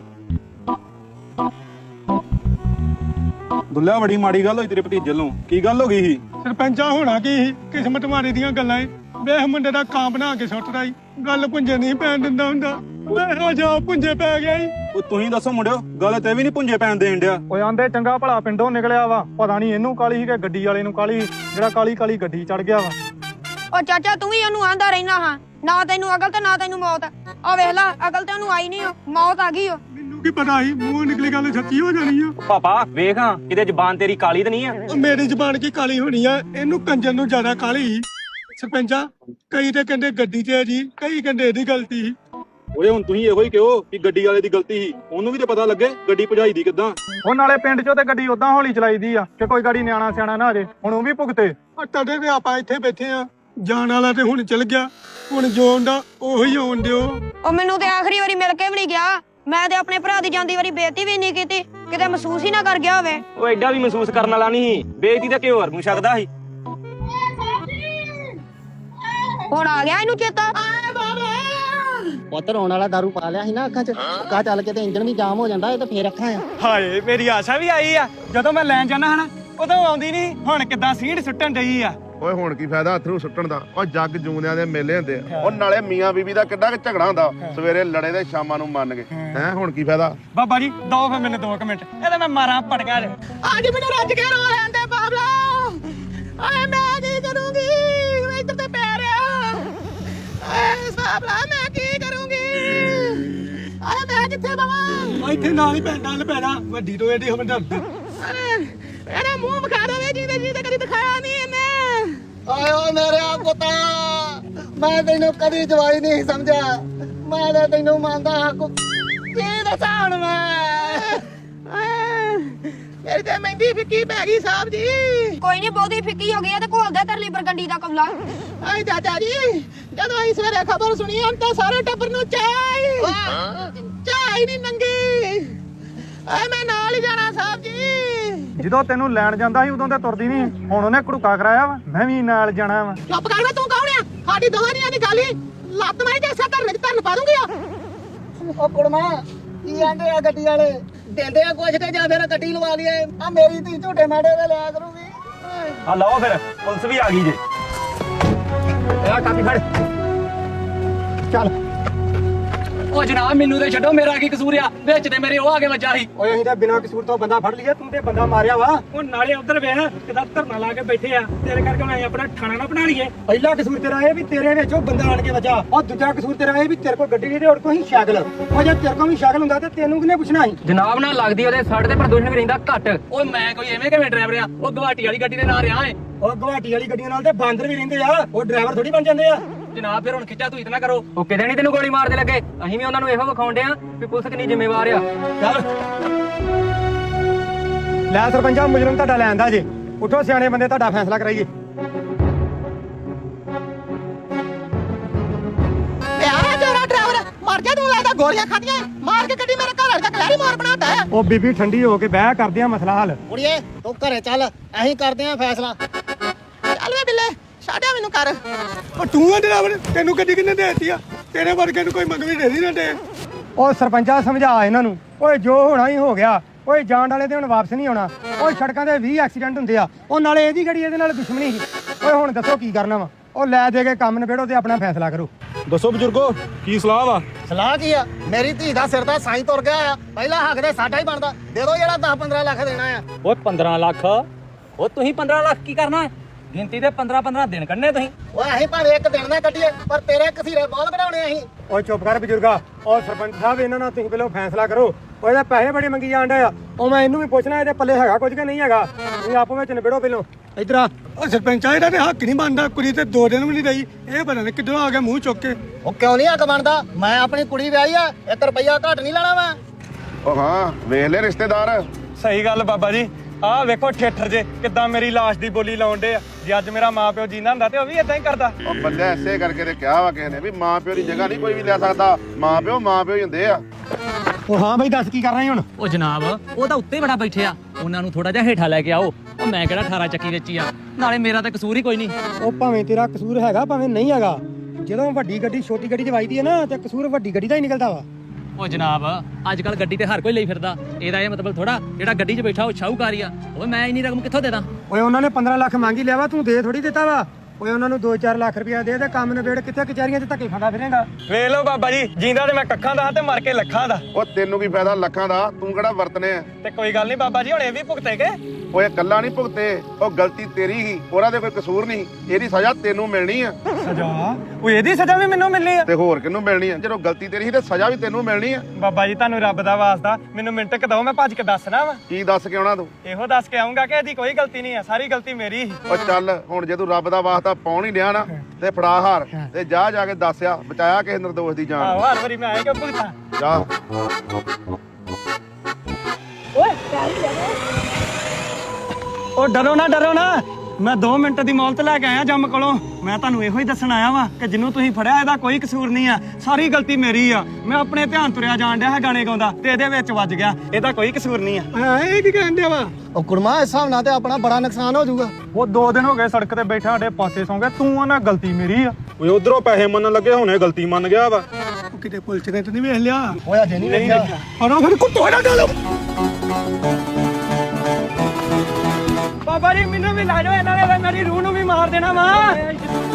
S9: ਦੁੱਲਿਆ ਬੜੀ ਮਾੜੀ ਗੱਲ ਹੋਈ ਤੇਰੇ ਭਤੀਜੇ ਨੂੰ। ਕੀ ਗੱਲ ਹੋ ਗਈ ਸੀ?
S1: ਸਰਪੰਚਾ ਹੋਣਾ ਕੀ ਸੀ? ਕਿਸਮਤ ਮਾਰੀ ਦੀਆਂ ਗੱਲਾਂ ਏ। ਵੇਖ ਮੁੰਡੇ ਦਾ ਕਾਂ ਬਣਾ ਕੇ ਸੁੱਟਦਾ ਈ, ਗੱਲ ਪੁੰਜੇ ਨਹੀਂ ਪੈਣ ਦਿੰਦਾ ਹੁੰਦਾ। ਵੇਖ ਜਾ ਪੁੰਜੇ ਪੈ ਗਿਆ ਈ।
S9: ਉਹ ਤੁਸੀਂ ਦੱਸੋ ਮੁੰਡਿਓ, ਗੱਲ ਤੇ ਵੀ ਨਹੀਂ ਪੁੰਜੇ ਪੈਣ ਦੇਣ ਡਿਆ।
S1: ਓਏ ਆਂਦੇ ਚੰਗਾ ਭਲਾ ਪਿੰਡੋਂ ਨਿਕਲਿਆ ਵਾ, ਪਤਾ ਨਹੀਂ ਇਹਨੂੰ ਕਾਲੀ ਸੀ ਕਿ ਗੱਡੀ ਵਾਲੇ ਨੂੰ ਕਾਲੀ, ਜਿਹੜਾ ਕਾਲੀ ਕਾਲੀ ਗੱਡੀ ਚੜ ਗਿਆ ਵਾ।
S2: ਓ ਚਾਚਾ ਤੂੰ ਵੀ ਉਹਨੂੰ ਆਂਦਾ ਰਹਿਣਾ ਹਾਂ, ਨਾ ਤੈਨੂੰ ਅਕਲ ਤੇ ਨਾ ਤੈਨੂੰ ਮੌਤ। ਆ ਵੇਖ ਲੈ ਅਕਲ ਤੇ ਉਹਨੂੰ ਆਈ ਨਹੀਂ, ਮੌਤ ਆ ਗਈ। ਓ
S1: ਮੈਨੂੰ ਕੀ ਪਤਾ ਸੀ ਮੂੰਹ ਨਿਕਲੀ ਗੱਲ ਸੱਚੀ ਹੋ ਜਾਣੀ ਆ।
S3: ਪਾਪਾ ਵੇਖ ਹਾਂ ਕਿਤੇ ਜ਼ਬਾਨ ਤੇਰੀ ਕਾਲੀ ਤਾਂ ਨਹੀਂ ਆ।
S1: ਮੇਰੀ ਜ਼ਬਾਨ ਕੀ ਕਾਲੀ ਹੋਣੀ ਆ, ਇਹਨੂੰ ਕੰਜਰ ਨੂੰ ਜ਼ਿਆਦਾ ਕਾਲੀ। ਸਰਪੰਚਾ ਕਈ ਤੇ ਕਹਿੰਦੇ ਗੱਡੀ ਤੇ ਆ ਜੀ, ਕਈ ਕਹਿੰਦੇ ਇਹਦੀ ਗਲਤੀ ਸੀ।
S9: ਓਏ ਹੁਣ ਤੁਸੀਂ ਇਹੋ ਹੀ ਕਹੋ ਕਿ ਗੱਡੀ ਵਾਲੇ ਦੀ ਗਲਤੀ ਸੀ, ਉਹਨੂੰ ਵੀ ਤੇ ਪਤਾ ਲੱਗੇ ਗੱਡੀ ਭਜਾਈ ਦੀ ਕਿੱਦਾਂ।
S1: ਉਹ ਨਾਲੇ ਪਿੰਡ ਚੋਂ ਤੇ ਗੱਡੀ ਉਦਾਂ ਹੌਲੀ ਚਲਾਈਦੀ ਆ ਕਿ ਕੋਈ ਗਾੜੀ ਨਿਆਣਾ ਸਿਆਣਾ ਨਾ ਆ ਜੇ। ਹੁਣ ਉਹ ਵੀ ਭੁਗਤੇ। ਤਦੇ ਤੇ ਆਪਾਂ ਇੱਥੇ ਬੈਠੇ ਆ, ਜਾਣ ਵਾਲਾ ਤੇ ਹੁਣ ਚਲ ਗਿਆ, ਹੁਣ ਜੋ ਆਉਂਦਾ ਉਹੀ ਆਉਣ ਦਿਓ।
S2: ਉਹ ਮੈਨੂੰ ਤੇ ਆਖਰੀ ਵਾਰੀ ਮਿਲ ਕੇ ਵੀ ਨਹੀਂ ਗਿਆ। ਮੈਂ ਤੇ ਆਪਣੇ ਭਰਾ ਦੀ ਜਾਂਦੀ ਵਾਰੀ ਬੇਇੱਜ਼ਤੀ ਵੀ ਨਹੀਂ ਕੀਤੀ, ਕਿਤੇ ਮਹਿਸੂਸ ਹੀ ਨਾ ਕਰ ਗਿਆ ਹੋਵੇ।
S3: ਉਹ ਐਡਾ ਵੀ ਮਹਿਸੂਸ ਕਰਨ ਵਾਲਾ ਨਹੀਂ ਸੀ, ਬੇਇੱਜ਼ਤੀ ਤਾਂ ਕਿਉਂ ਹੋਰ ਨੂੰ ਸਕਦਾ ਸੀ।
S2: ਹੁਣ ਆ ਗਿਆ ਇਹਨੂੰ ਚੇਤਾ।
S10: ਪੁੱਤ ਰੋਣ ਵਾਲਾ ਦਾਰੂ ਪਾ ਲਿਆ ਸੀ ਨਾ ਅੱਖਾਂ 'ਚ, ਅੱਖਾਂ ਚੱਲ ਕੇ ਤੇ ਇੰਜਣ ਵੀ ਜਾਮ ਹੋ ਜਾਂਦਾ, ਇਹ ਤਾਂ ਫੇਰ ਅੱਖਾਂ ਆ।
S1: ਹਾਏ ਮੇਰੀ ਆਸ਼ਾ ਵੀ ਆਈ ਆ, ਜਦੋਂ ਮੈਂ ਲੈਣ ਜਾਣਾ ਹਨਾ ਉਦੋਂ ਆਉਂਦੀ ਨਹੀਂ, ਹੁਣ ਕਿੱਦਾਂ ਸੀਂਢ ਸੁੱਟਣ ਡਈ ਆ।
S5: ਓਏ ਹੁਣ ਕੀ ਫਾਇਦਾ ਅਥਰੂ ਸੁੱਟਣ ਦਾ? ਉਹ ਜੱਗ ਜੂੰਦਿਆਂ ਦੇ ਮੇਲੇ ਹੁੰਦੇ ਆ। ਉਹ ਨਾਲੇ ਮੀਆਂ ਬੀਬੀ ਦਾ ਕਿੱਡਾ ਕਿ ਝਗੜਾ ਹੁੰਦਾ, ਸਵੇਰੇ ਲੜੇ ਤੇ ਸ਼ਾਮਾਂ ਨੂੰ ਮੰਨ ਗਏ ਹੈ। ਹੁਣ ਕੀ ਫਾਇਦਾ?
S1: ਬਾਬਾ ਜੀ ਦੋ ਫਿਰ ਮੈਨੂੰ ਦੋ ਕੁ ਮਿੰਟ, ਇਹਦੇ ਮੈਂ ਮਾਰਾਂ ਪਟਕਾ ਜੇ।
S10: ਅੱਜ ਮੈਨੂੰ ਰੱਜ ਕੇ ਰੋ ਲੈਂਦੇ ਬਾਬਲਾ। ਆਏ ਮੈਂ ਕੀ ਕਰੂੰਗੀ, ਇੱਧਰ ਤੇ ਪੈ ਰਿਹਾ। ਆਏ ਬਾਬਲਾ ਮੈਂ ਕੀ ਕਰੂੰਗੀ, ਆਏ ਮੈਂ ਕਿੱਥੇ ਬਵਾਂ?
S1: ਇੱਥੇ ਨਾਲ ਹੀ ਪੈਂਦਾ ਲ ਪੈਣਾ, ਵੱਡੀ ਤੋਂ ਇਹਦੀ ਹਮਦਰਦ।
S10: ਇਹਦਾ ਮੂੰਹ ਵਿਖਾ ਦੇਵੇ ਜਿਹਦੇ ਜਿਹਦੇ ਕਦੀ ਦਿਖਾਇਆ ਨਹੀਂ ਇਹਨੇ। ਆਏ ਓ ਮੇਰੇ ਪੁੱਤਾ, ਮੈਂ ਤੈਨੂੰ ਕਦੀ ਜਵਾਈ ਨਹੀਂ ਸਮਝਿਆ, ਮੈਂ ਤਾਂ ਤੈਨੂੰ ਮੰਨਦਾ ਹਾਂ। ਕੀ ਦੱਸਾਂ ਹੁਣ ਮੈਂ? ਮੇਰੀ ਤੇ ਮਹਿੰਦੀ ਫਿੱਕੀ ਪੈ ਗਈ ਸਾਹਿਬ ਜੀ।
S2: ਕੋਈ ਨਹੀਂ ਬਹੁਤੀ ਫਿੱਕੀ ਹੋ ਗਈ ਆ ਤੇ ਘੋਲਦਾ ਤਰਲੀ ਬਰਗੰਡੀ ਦਾ ਕੌਲਾ।
S10: ਆਏ ਚਾਚਾ ਜੀ ਜਦੋਂ ਅਸੀਂ ਸਵੇਰੇ ਖਬਰ ਸੁਣੀ ਹਮ ਤਾਂ ਸਾਰੇ ਟੱਬਰ ਨੂੰ ਚਾਹ ਚਾਹ ਹੀ ਨਹੀਂ ਨੰਗੀ। ਆਏ ਮੈਂ ਨਾਲ ਹੀ ਜਾਣਾ ਸਾਹਿਬ ਜੀ।
S1: ਜਦੋਂ ਤੈਨੂੰ ਲੈਣ ਜਾਂਦਾ ਸੀ ਉਦੋਂ ਤੇ ਤੁਰਦੀ ਨਹੀਂ, ਹੁਣ ਉਹਨੇ ਘੜੂਕਾ ਕਰਾਇਆ ਵਾ, ਮੈਂ ਵੀ ਨਾਲ ਜਾਣਾ ਵਾ।
S10: ਚੁੱਪ ਕਰ ਵੇ, ਤੂੰ ਕੌਣ ਆ? ਸਾਡੀ ਦੋਵਾਂ ਦੀਆਂ ਦੀ ਗੱਲ ਹੀ ਲੱਤ ਮਾਰੀ ਤੇ ਇਸੇ ਧਰਨੇ ਧਰਨ ਪਾ ਦੂੰਗੀ। ਉਹ ਕੁੜਮਾ ਕੀ ਆਂਦੇ ਆ ਗੱਡੀ ਵਾਲੇ, ਦਿੰਦੇ ਆ ਕੁਛ ਤੇ ਜਾਂ ਫਿਰ ਗੱਡੀ ਲਵਾ ਲਈਏ। ਆ ਮੇਰੀ ਧੀ ਝੂਟੇ ਮਾੜੇ ਦੇ ਲਿਆ ਕਰੂਗੀ।
S3: ਆ ਲਓ ਫਿਰ ਪੁਲਿਸ ਵੀ ਆ ਗਈ ਜੇ। ਆ ਕਾਪੀ ਫੜ।
S10: ਚੱਲ
S7: ਉਹ ਜਨਾਬ ਮੈਨੂੰ ਤੇ ਛੱਡੋ, ਮੇਰਾ ਕੀ ਕਸੂਰ ਆ? ਵਿੱਚ ਤੇ ਮੇਰੇ ਉਹ ਆ ਕੇ ਵੱਜਾ ਸੀ।
S1: ਓਏ ਅਸੀਂ ਤਾਂ ਬਿਨਾਂ ਕਸੂਰ ਤੋਂ ਬੰਦਾ ਫੜ ਲਿਆ, ਤੂੰ ਤੇ ਬੰਦਾ ਮਾਰਿਆ ਵਾ। ਉਹ ਨਾਲੇ ਉਧਰ ਵੇਖ ਕਿਦਾਂ ਧਰਨਾ ਲਾ ਕੇ ਬੈਠੇ ਆ, ਤੇਰੇ ਕਰਕੇ ਹੁਣ ਅਸੀਂ ਆਪਣਾ ਥਾਣਾ ਨਾ ਬਣਾ ਲਈਏ। ਪਹਿਲਾ ਕਸੂਰ ਤੇਰਾ ਇਹ ਵੀ ਤੇਰੇ ਵਿੱਚ ਉਹ ਬੰਦਾ ਆਣ ਕੇ ਵੱਜਾ, ਉਹ ਦੂਜਾ ਕਸੂਰ ਤੇਰਾ ਇਹ ਵੀ ਤੇਰੇ ਕੋਲ ਗੱਡੀ ਨਹੀਂ ਤੇ ਹੋਰ ਕੋਈ ਸ਼ਕਲ। ਉਹ ਜੇ ਤੇਰੇ ਕੋਲ ਵੀ ਸ਼ਕਲ ਹੁੰਦਾ ਤੇ ਤੈਨੂੰ ਕਿਹਨੇ ਪੁੱਛਣਾ ਸੀ?
S7: ਜਨਾਬ ਨਾਲ ਲੱਗਦੀ ਉਹਦੇ ਸਾਡੇ ਤੇ ਪ੍ਰਦੂਸ਼ਣ ਵੀ ਰਹਿੰਦਾ ਘੱਟ। ਓਏ ਮੈਂ ਕੋਈ ਐਵੇਂ ਕਿਵੇਂ ਡਰਾਈਵਰ ਆ? ਉਹ ਗਵਾਟੀ ਵਾਲੀ ਗੱਡੀ ਦੇ ਨਾਲ ਰਿਹਾ ਏ।
S1: ਉਹ ਗੁਹਾਟੀ ਵਾਲੀ ਗੱਡੀਆਂ ਨਾਲ ਤੇ ਬਾਂਦਰ ਵੀ ਰਹਿੰਦੇ ਆ, ਉਹ ਡਰਾਈਵਰ ਥੋੜੀ ਬਣ ਜਾਂਦੇ ਆ।
S7: ਜਨਾਬ ਫਿਰ ਹੁਣ ਖਿੱਚਾ ਤੂੰ ਇਤਨਾ ਕਰੋ, ਉਹ ਕਿਤੇ ਨਹੀਂ ਤੈਨੂੰ ਗੋਲੀ ਮਾਰਦੇ ਲੱਗੇ। ਅਸੀਂ ਵੀ ਉਹਨਾਂ ਨੂੰ ਇਹੋ ਵਿਖਾਉਂਦੇ ਆ ਵੀ ਪੁਲਿਸ ਕਿੰਨੀ ਜ਼ਿੰਮੇਵਾਰ ਆ।
S1: ਚੱਲ ਲੈ ਸਰਪੰਚਾ, ਮੁਜਰਮ ਤੁਹਾਡਾ ਲੈਂਦਾ ਜੇ, ਉਠੋ ਸਿਆਣੇ ਬੰਦੇ, ਤੁਹਾਡਾ ਫੈਸਲਾ ਕਰਾਈਏ।
S10: ਯਾਰ ਤੇਰਾ ਡਰਾਈਵਰ ਮਰ ਗਿਆ, ਤੂੰ ਲੱਗਦਾ ਗੋਲੀਆਂ ਖਾਧੀਆਂ ਮਾਰ ਕੇ ਗੱਡੀ ਮੇਰੇ ਘਰ ਵਾਲੇ ਦਾ ਕਲੈਰੀ ਮਾਰ ਬਣਾਤਾ ਹੈ।
S1: ਉਹ ਬੀਬੀ ਠੰਡੀ ਹੋ ਕੇ ਬਹਿ ਕਰਦੇ ਆ ਮਸਲਾ ਹੱਲ।
S10: ਕੁੜੀਏ ਤੂੰ ਘਰੇ ਚੱਲ, ਅਸੀਂ ਕਰਦੇ ਆਂ ਫੈਸਲਾ। ਚੱਲ ਵੇ ਬਿੱਲੇ ਛੱਡਿਆ ਮੈਨੂੰ ਕਰ।
S1: ਉਹ ਤੂੰ ਆ ਡਰਾਈਵਰ, ਤੈਨੂੰ ਗੱਡੀ ਕਿੰਨੇ ਦੇ ਦਿੱਤੀ ਆ? ਤੇਰੇ ਵਰਗੇ ਨੂੰ ਕੋਈ ਮੰਗਵੀ ਦੇ ਦੀ ਨਾ ਦੇ ਉਹ ਸਰਪੰਚਾ ਸਮਝਾ ਇਹਨਾਂ ਨੂੰ ਓਏ ਜੋ ਹੋਣਾ ਹੀ ਹੋ ਗਿਆ ਓਏ ਜਾਣ ਵਾਲੇ ਤੇ ਹੁਣ ਵਾਪਸ ਨਹੀਂ ਆਉਣਾ ਓਏ ਸੜਕਾਂ ਤੇ ਵੀਹ ਐਕਸੀਡੈਂਟ ਹੁੰਦੇ ਆ ਉਹ ਨਾਲੇ ਇਹਦੀ ਗੱਡੀ ਇਹਦੇ ਨਾਲ ਦੁਸ਼ਮਣੀ ਸੀ ਓਏ ਹੁਣ ਦੱਸੋ ਕੀ ਕਰਨਾ ਵਾ ਉਹ ਲੈ ਦੇ ਕੇ ਕੰਮ ਨਿਬੇੜੋ ਤੇ ਆਪਣਾ ਫੈਸਲਾ ਕਰੋ
S9: ਦੱਸੋ ਬਜ਼ੁਰਗੋ ਕੀ ਸਲਾਹ ਵਾ
S10: ਸਲਾਹ ਕੀ ਆ ਮੇਰੀ ਧੀ ਦਾ ਸਿਰ ਦਾ ਸਾਈਂ ਤੁਰ ਗਿਆ ਆ ਪਹਿਲਾ ਹੱਕ ਦੇ ਸਾਡਾ ਹੀ ਬਣਦਾ ਦੇ ਦਿਓ ਜਿਹੜਾ ਦਸ ਪੰਦਰਾਂ ਲੱਖ ਦੇਣਾ ਆ
S7: ਓਏ ਪੰਦਰਾਂ ਲੱਖ ਉਹ ਤੁਸੀਂ ਪੰਦਰਾਂ ਲੱਖ ਕੀ ਕਰਨਾ ਹੈ? ਗਿਣਤੀ ਦੇ ਪੰਦਰਾਂ ਪੰਦਰਾਂ ਦਿਨ ਕੱਢਨੇ ਤੁਸੀਂ
S10: ਓਏ ਅਸੀਂ ਭਾਵੇਂ ਇੱਕ ਦਿਨ ਨਾ ਕੱਢੀਏ ਪਰ ਤੇਰੇ ਕਸੀਰੇ ਬਹੁਤ ਕਢਾਉਣੇ ਅਸੀਂ
S1: ਓਏ ਚੁੱਪ ਕਰ ਬਜ਼ੁਰਗਾ ਓ ਸਰਪੰਚ ਸਾਹਿਬ ਇਹਨਾਂ ਨਾਲ ਤੁਸੀਂ ਪਹਿਲਾਂ ਫੈਸਲਾ ਕਰੋ ਓਏ ਇਹਦੇ ਪੈਸੇ ਬੜੇ ਮੰਗੀ ਜਾਣ ਡਏ ਆ ਉਹ ਮੈਂ ਇਹਨੂੰ ਵੀ ਪੁੱਛਣਾ ਇਹਦੇ ਪੱਲੇ ਹੈਗਾ ਕੁਝ ਕਿ ਨਹੀਂ ਹੈਗਾ ਤੁਸੀਂ ਆਪੋ ਵਿੱਚ ਨਿਬੇੜੋ ਪਹਿਲਾਂ ਇਧਰ ਆ ਓ ਸਰਪੰਚਾ ਇਹਦਾ ਤੇ ਹੱਕ ਨਹੀਂ ਬਣਦਾ ਕੁੜੀ ਤੇ ਦੋ ਦਿਨ ਵੀ ਨਹੀਂ ਰਹੀ ਇਹ ਪਤਾ ਨਹੀਂ ਕਿੱਧਰੋਂ ਆ ਗਿਆ ਮੂੰਹ ਚੁੱਕ ਕੇ
S10: ਉਹ ਕਿਉਂ ਨਹੀਂ ਹੱਕ ਬਣਦਾ ਮੈਂ ਆਪਣੀ ਕੁੜੀ ਵਿਆਹੀ ਆ ਇੱਕ ਰੁਪਈਆ ਘੱਟ ਨਹੀਂ ਲੈਣਾ ਮੈਂ
S5: ਉਹ ਹਾਂ ਵੇਖ ਲੈ ਰਿਸ਼ਤੇਦਾਰ
S1: ਸਹੀ ਗੱਲ ਬਾਬਾ ਜੀ ਆਹ ਵੇਖੋ ਠੇਠਰ ਜੇ ਕਿੱਦਾਂ ਮੇਰੀ ਲਾਸ਼ ਦੀ ਬੋਲੀ ਲਾਉਣ ਡੇ ਆ ਜੇ ਅੱਜ ਮੇਰਾ ਮਾਂ ਪਿਓ ਜੀਂਦਾ ਹੁੰਦਾ ਤੇ ਉਹ ਵੀ ਇਦਾਂ ਹੀ ਕਰਦਾ
S5: ਉਹ ਬੰਦੇ ਐਸੇ ਕਰਕੇ ਤੇ ਕਿਹਾ ਵਾ ਕਿਸੇ ਨੇ ਵੀ ਮਾਂ ਪਿਓ ਦੀ ਜਗ੍ਹਾ ਨਹੀਂ ਕੋਈ ਵੀ ਲੈ ਸਕਦਾ ਮਾਂ ਪਿਓ ਮਾਂ ਪਿਓ ਹੀ ਹੁੰਦੇ ਆ
S1: ਉਹ ਹਾਂ ਬਈ ਦੱਸ ਕੀ ਕਰ ਰਹੇ ਹੁਣ
S7: ਉਹ ਜਨਾਬ ਉਹ ਤਾਂ ਉੱਤੇ ਬੜਾ ਬੈਠੇ ਆ ਉਹਨਾਂ ਨੂੰ ਥੋੜਾ ਜਿਹਾ ਹੇਠਾਂ ਲੈ ਕੇ ਆਓ ਉਹ ਮੈਂ ਕਿਹੜਾ ਅਠਾਰਾਂ ਚੱਕੀ ਵਿੱਚ ਹੀ ਆ ਨਾਲੇ ਮੇਰਾ ਤਾਂ ਕਸੂਰ ਹੀ ਕੋਈ ਨਹੀਂ
S1: ਉਹ ਭਾਵੇਂ ਤੇਰਾ ਕਸੂਰ ਹੈਗਾ ਭਾਵੇਂ ਨਹੀਂ ਹੈਗਾ ਜਦੋਂ ਵੱਡੀ ਗੱਡੀ ਛੋਟੀ ਗੱਡੀ 'ਚ ਵੱਜਦੀ ਹੈ ਨਾ ਤੇ ਕਸੂਰ ਵੱਡੀ ਗੱਡੀ ਦਾ ਹੀ ਨਿਕਲਦਾ ਵਾ
S7: ਉਹ ਜਨਾਬ ਅੱਜ ਕੱਲ ਗੱਡੀ ਤੇ ਹਰ ਕੋਈ ਲਈ ਫਿਰਦਾ ਇਹਦਾ ਇਹ ਮਤਲਬ ਥੋੜਾ ਜਿਹੜਾ ਗੱਡੀ 'ਚ ਬੈਠਾ ਉਹ ਸ਼ਾਹੂਕਾਰੀ ਆ ਓਏ ਮੈਂ ਇੰਨੀ ਰਕਮ ਕਿੱਥੋਂ ਦੇ ਦਾਂ
S1: ਓਏ ਉਹਨਾਂ ਨੇ ਪੰਦਰਾਂ ਲੱਖ ਮੰਗੀ ਲਿਆ ਵਾ ਤੂੰ ਦੇ ਥੋੜੀ ਦਿੱਤਾ ਵਾ ਓਏ ਉਹਨਾਂ ਨੂੰ ਦੋ ਚਾਰ ਲੱਖ ਰੁਪਇਆ ਦੇ ਤੇ ਕੰਮ ਨਿਬੇੜ ਕਿੱਥੇ ਕਚਹਿਰੀਆਂ 'ਚ ਧੱਕੇ ਖਾਂਦਾ ਫਿਰੇਗਾ ਵੇਖ ਲਓ ਬਾਬਾ ਜੀ ਜਿੰਦਾ ਤੇ ਮੈਂ ਕੱਖਾਂ ਦਾ ਤੇ ਮਰ ਕੇ ਲੱਖਾਂ ਦਾ
S5: ਉਹ ਤੈਨੂੰ ਕੀ ਫਾਇਦਾ ਲੱਖਾਂ ਦਾ ਤੂੰ ਕਿਹੜਾ ਵਰਤਨੇ ਆ
S1: ਤੇ ਕੋਈ ਗੱਲ ਨਹੀਂ ਬਾਬਾ ਜੀ ਹੁਣ ਇਹ ਵੀ ਭੁਗਤੇਗੇ
S5: ਓਏ ਇਕੱਲਾ ਨਹੀਂ ਭੁਗਤੇ ਉਹ ਗਲਤੀ ਤੇਰੀ ਹੀ ਉਹਦਾ ਤੇ ਕੋਈ ਕਸੂਰ ਨਹੀਂ ਇਹਦੀ ਸਜ਼ਾ ਤੈਨੂੰ ਮਿਲਣੀ ਆ
S1: ਸਜ਼ਾ ਓਏ ਇਹਦੀ ਸਜ਼ਾ ਵੀ ਮੈਨੂੰ ਮਿਲਣੀ ਆ
S5: ਤੇ ਹੋਰ ਕਿਹਨੂੰ ਮਿਲਣੀ ਆ ਜਦੋਂ ਗਲਤੀ ਤੇਰੀ ਸੀ ਤੇ ਸਜ਼ਾ ਵੀ ਤੈਨੂੰ ਮਿਲਣੀ ਆ
S1: ਬਾਬਾ ਜੀ ਤੁਹਾਨੂੰ ਰੱਬ ਦਾ ਵਾਸਤਾ ਮੈਨੂੰ ਮਿੰਟ ਕ ਦਓ ਮੈਂ ਭੱਜ ਕੇ ਦੱਸਣਾ ਵਾ
S5: ਕੀ ਦੱਸ ਕੇ ਆਉਣਾ ਤੂੰ
S1: ਇਹੋ ਦੱਸ ਕੇ ਆਉਂਗਾ ਕਿ ਇਹਦੀ ਕੋਈ ਗਲਤੀ ਨਹੀਂ ਆ ਸਾਰੀ ਗਲਤੀ ਮੇਰੀ ਹੀ
S5: ਉਹ ਚੱਲ ਹੁਣ ਜੇ ਤੂੰ ਰੱਬ ਦਾ ਵਾਸਤਾ ਪਾਉਣ ਹੀ ਲਿਆ ਨਾ ਤੇ ਫੜਾ ਹਾਰ ਤੇ ਜਾ ਜਾ ਕੇ ਦੱਸਿਆ ਬਚਾਇਆ ਕਿਸੇ ਨਿਰਦੋਸ਼ ਦੀ ਜਾਨ
S1: ਆਹੋ ਹਰ ਵਾਰੀ ਮੈਂ ਆਏ ਕਿ ਭੁਗਤਾਂ
S5: ਜਾ
S1: ਉਹ ਡਰੋ ਨਾ ਡਰੋ ਨਾ ਮੈਂ ਦੋ ਮਿੰਟ ਦੀ ਮੌਲਤ ਲੈ ਕੇ ਆਇਆ ਜੰਮ ਕੋਲੋਂ ਮੈਂ ਤੁਹਾਨੂੰ ਇਹੋ ਹੀ ਦੱਸਣ ਆਇਆ ਵਾਂ ਕਿ ਜਿਹਨੂੰ ਤੁਸੀਂ ਫੜਿਆ ਇਹਦਾ ਕੋਈ ਕਸੂਰ ਨਹੀਂ ਆ ਸਾਰੀ ਗਲਤੀ ਮੇਰੀ ਆ ਮੈਂ ਆਪਣੇ ਧਿਆਨ ਤੁਰਿਆ ਜਾਣ ਡਿਆ ਗਾਣੇ ਗਾਉਂਦਾ ਤੇ ਇਹਦੇ ਵਿੱਚ ਵੱਜ ਗਿਆ ਇਹਦਾ ਕੋਈ ਕਸੂਰ ਨਹੀਂ ਆ ਇਹ ਕੀ ਕਹਿਣ ਡਿਆ ਵਾ
S10: ਉਹ ਕੁੜਮਾ ਇਸ ਹਿਸਾਬ ਨਾਲ ਤੇ ਆਪਣਾ ਬੜਾ ਨੁਕਸਾਨ ਹੋ ਜਾਊਗਾ
S1: ਉਹ ਦੋ ਦਿਨ ਹੋ ਗਏ ਸੜਕ ਤੇ ਬੈਠਾ ਸਾਡੇ ਪਾਸੇ ਸੌਂ ਗਿਆ ਤੂੰ ਆ ਨਾ ਗਲਤੀ ਮੇਰੀ ਆ
S9: ਓਏ ਉਧਰੋਂ ਪੈਸੇ ਮੰਨਣ ਲੱਗੇ ਹੁਣੇ ਗਲਤੀ ਮੰਨ ਗਿਆ ਵਾ
S1: ਉਹ ਕਿਤੇ ਪੁਲਿਸ ਨੇ ਤੇ ਨਹੀਂ ਵੇਖ ਲਿਆ
S10: ਹੋਇਆ ਜੇ ਨਹੀਂ ਵੇਖਿਆ
S1: ਹਰੋ ਫਿਰ ਕੁੱਤੋ ਨਾ ਡਾਲੋ ਬਾਬਾ ਜੀ ਮੈਨੂੰ ਵੀ ਲਾ ਜਾਓ ਇਹਨਾਂ ਨੇ ਮੇਰੀ ਰੂਹ ਨੂੰ ਵੀ ਮਾਰ ਦੇਣਾ ਵਾ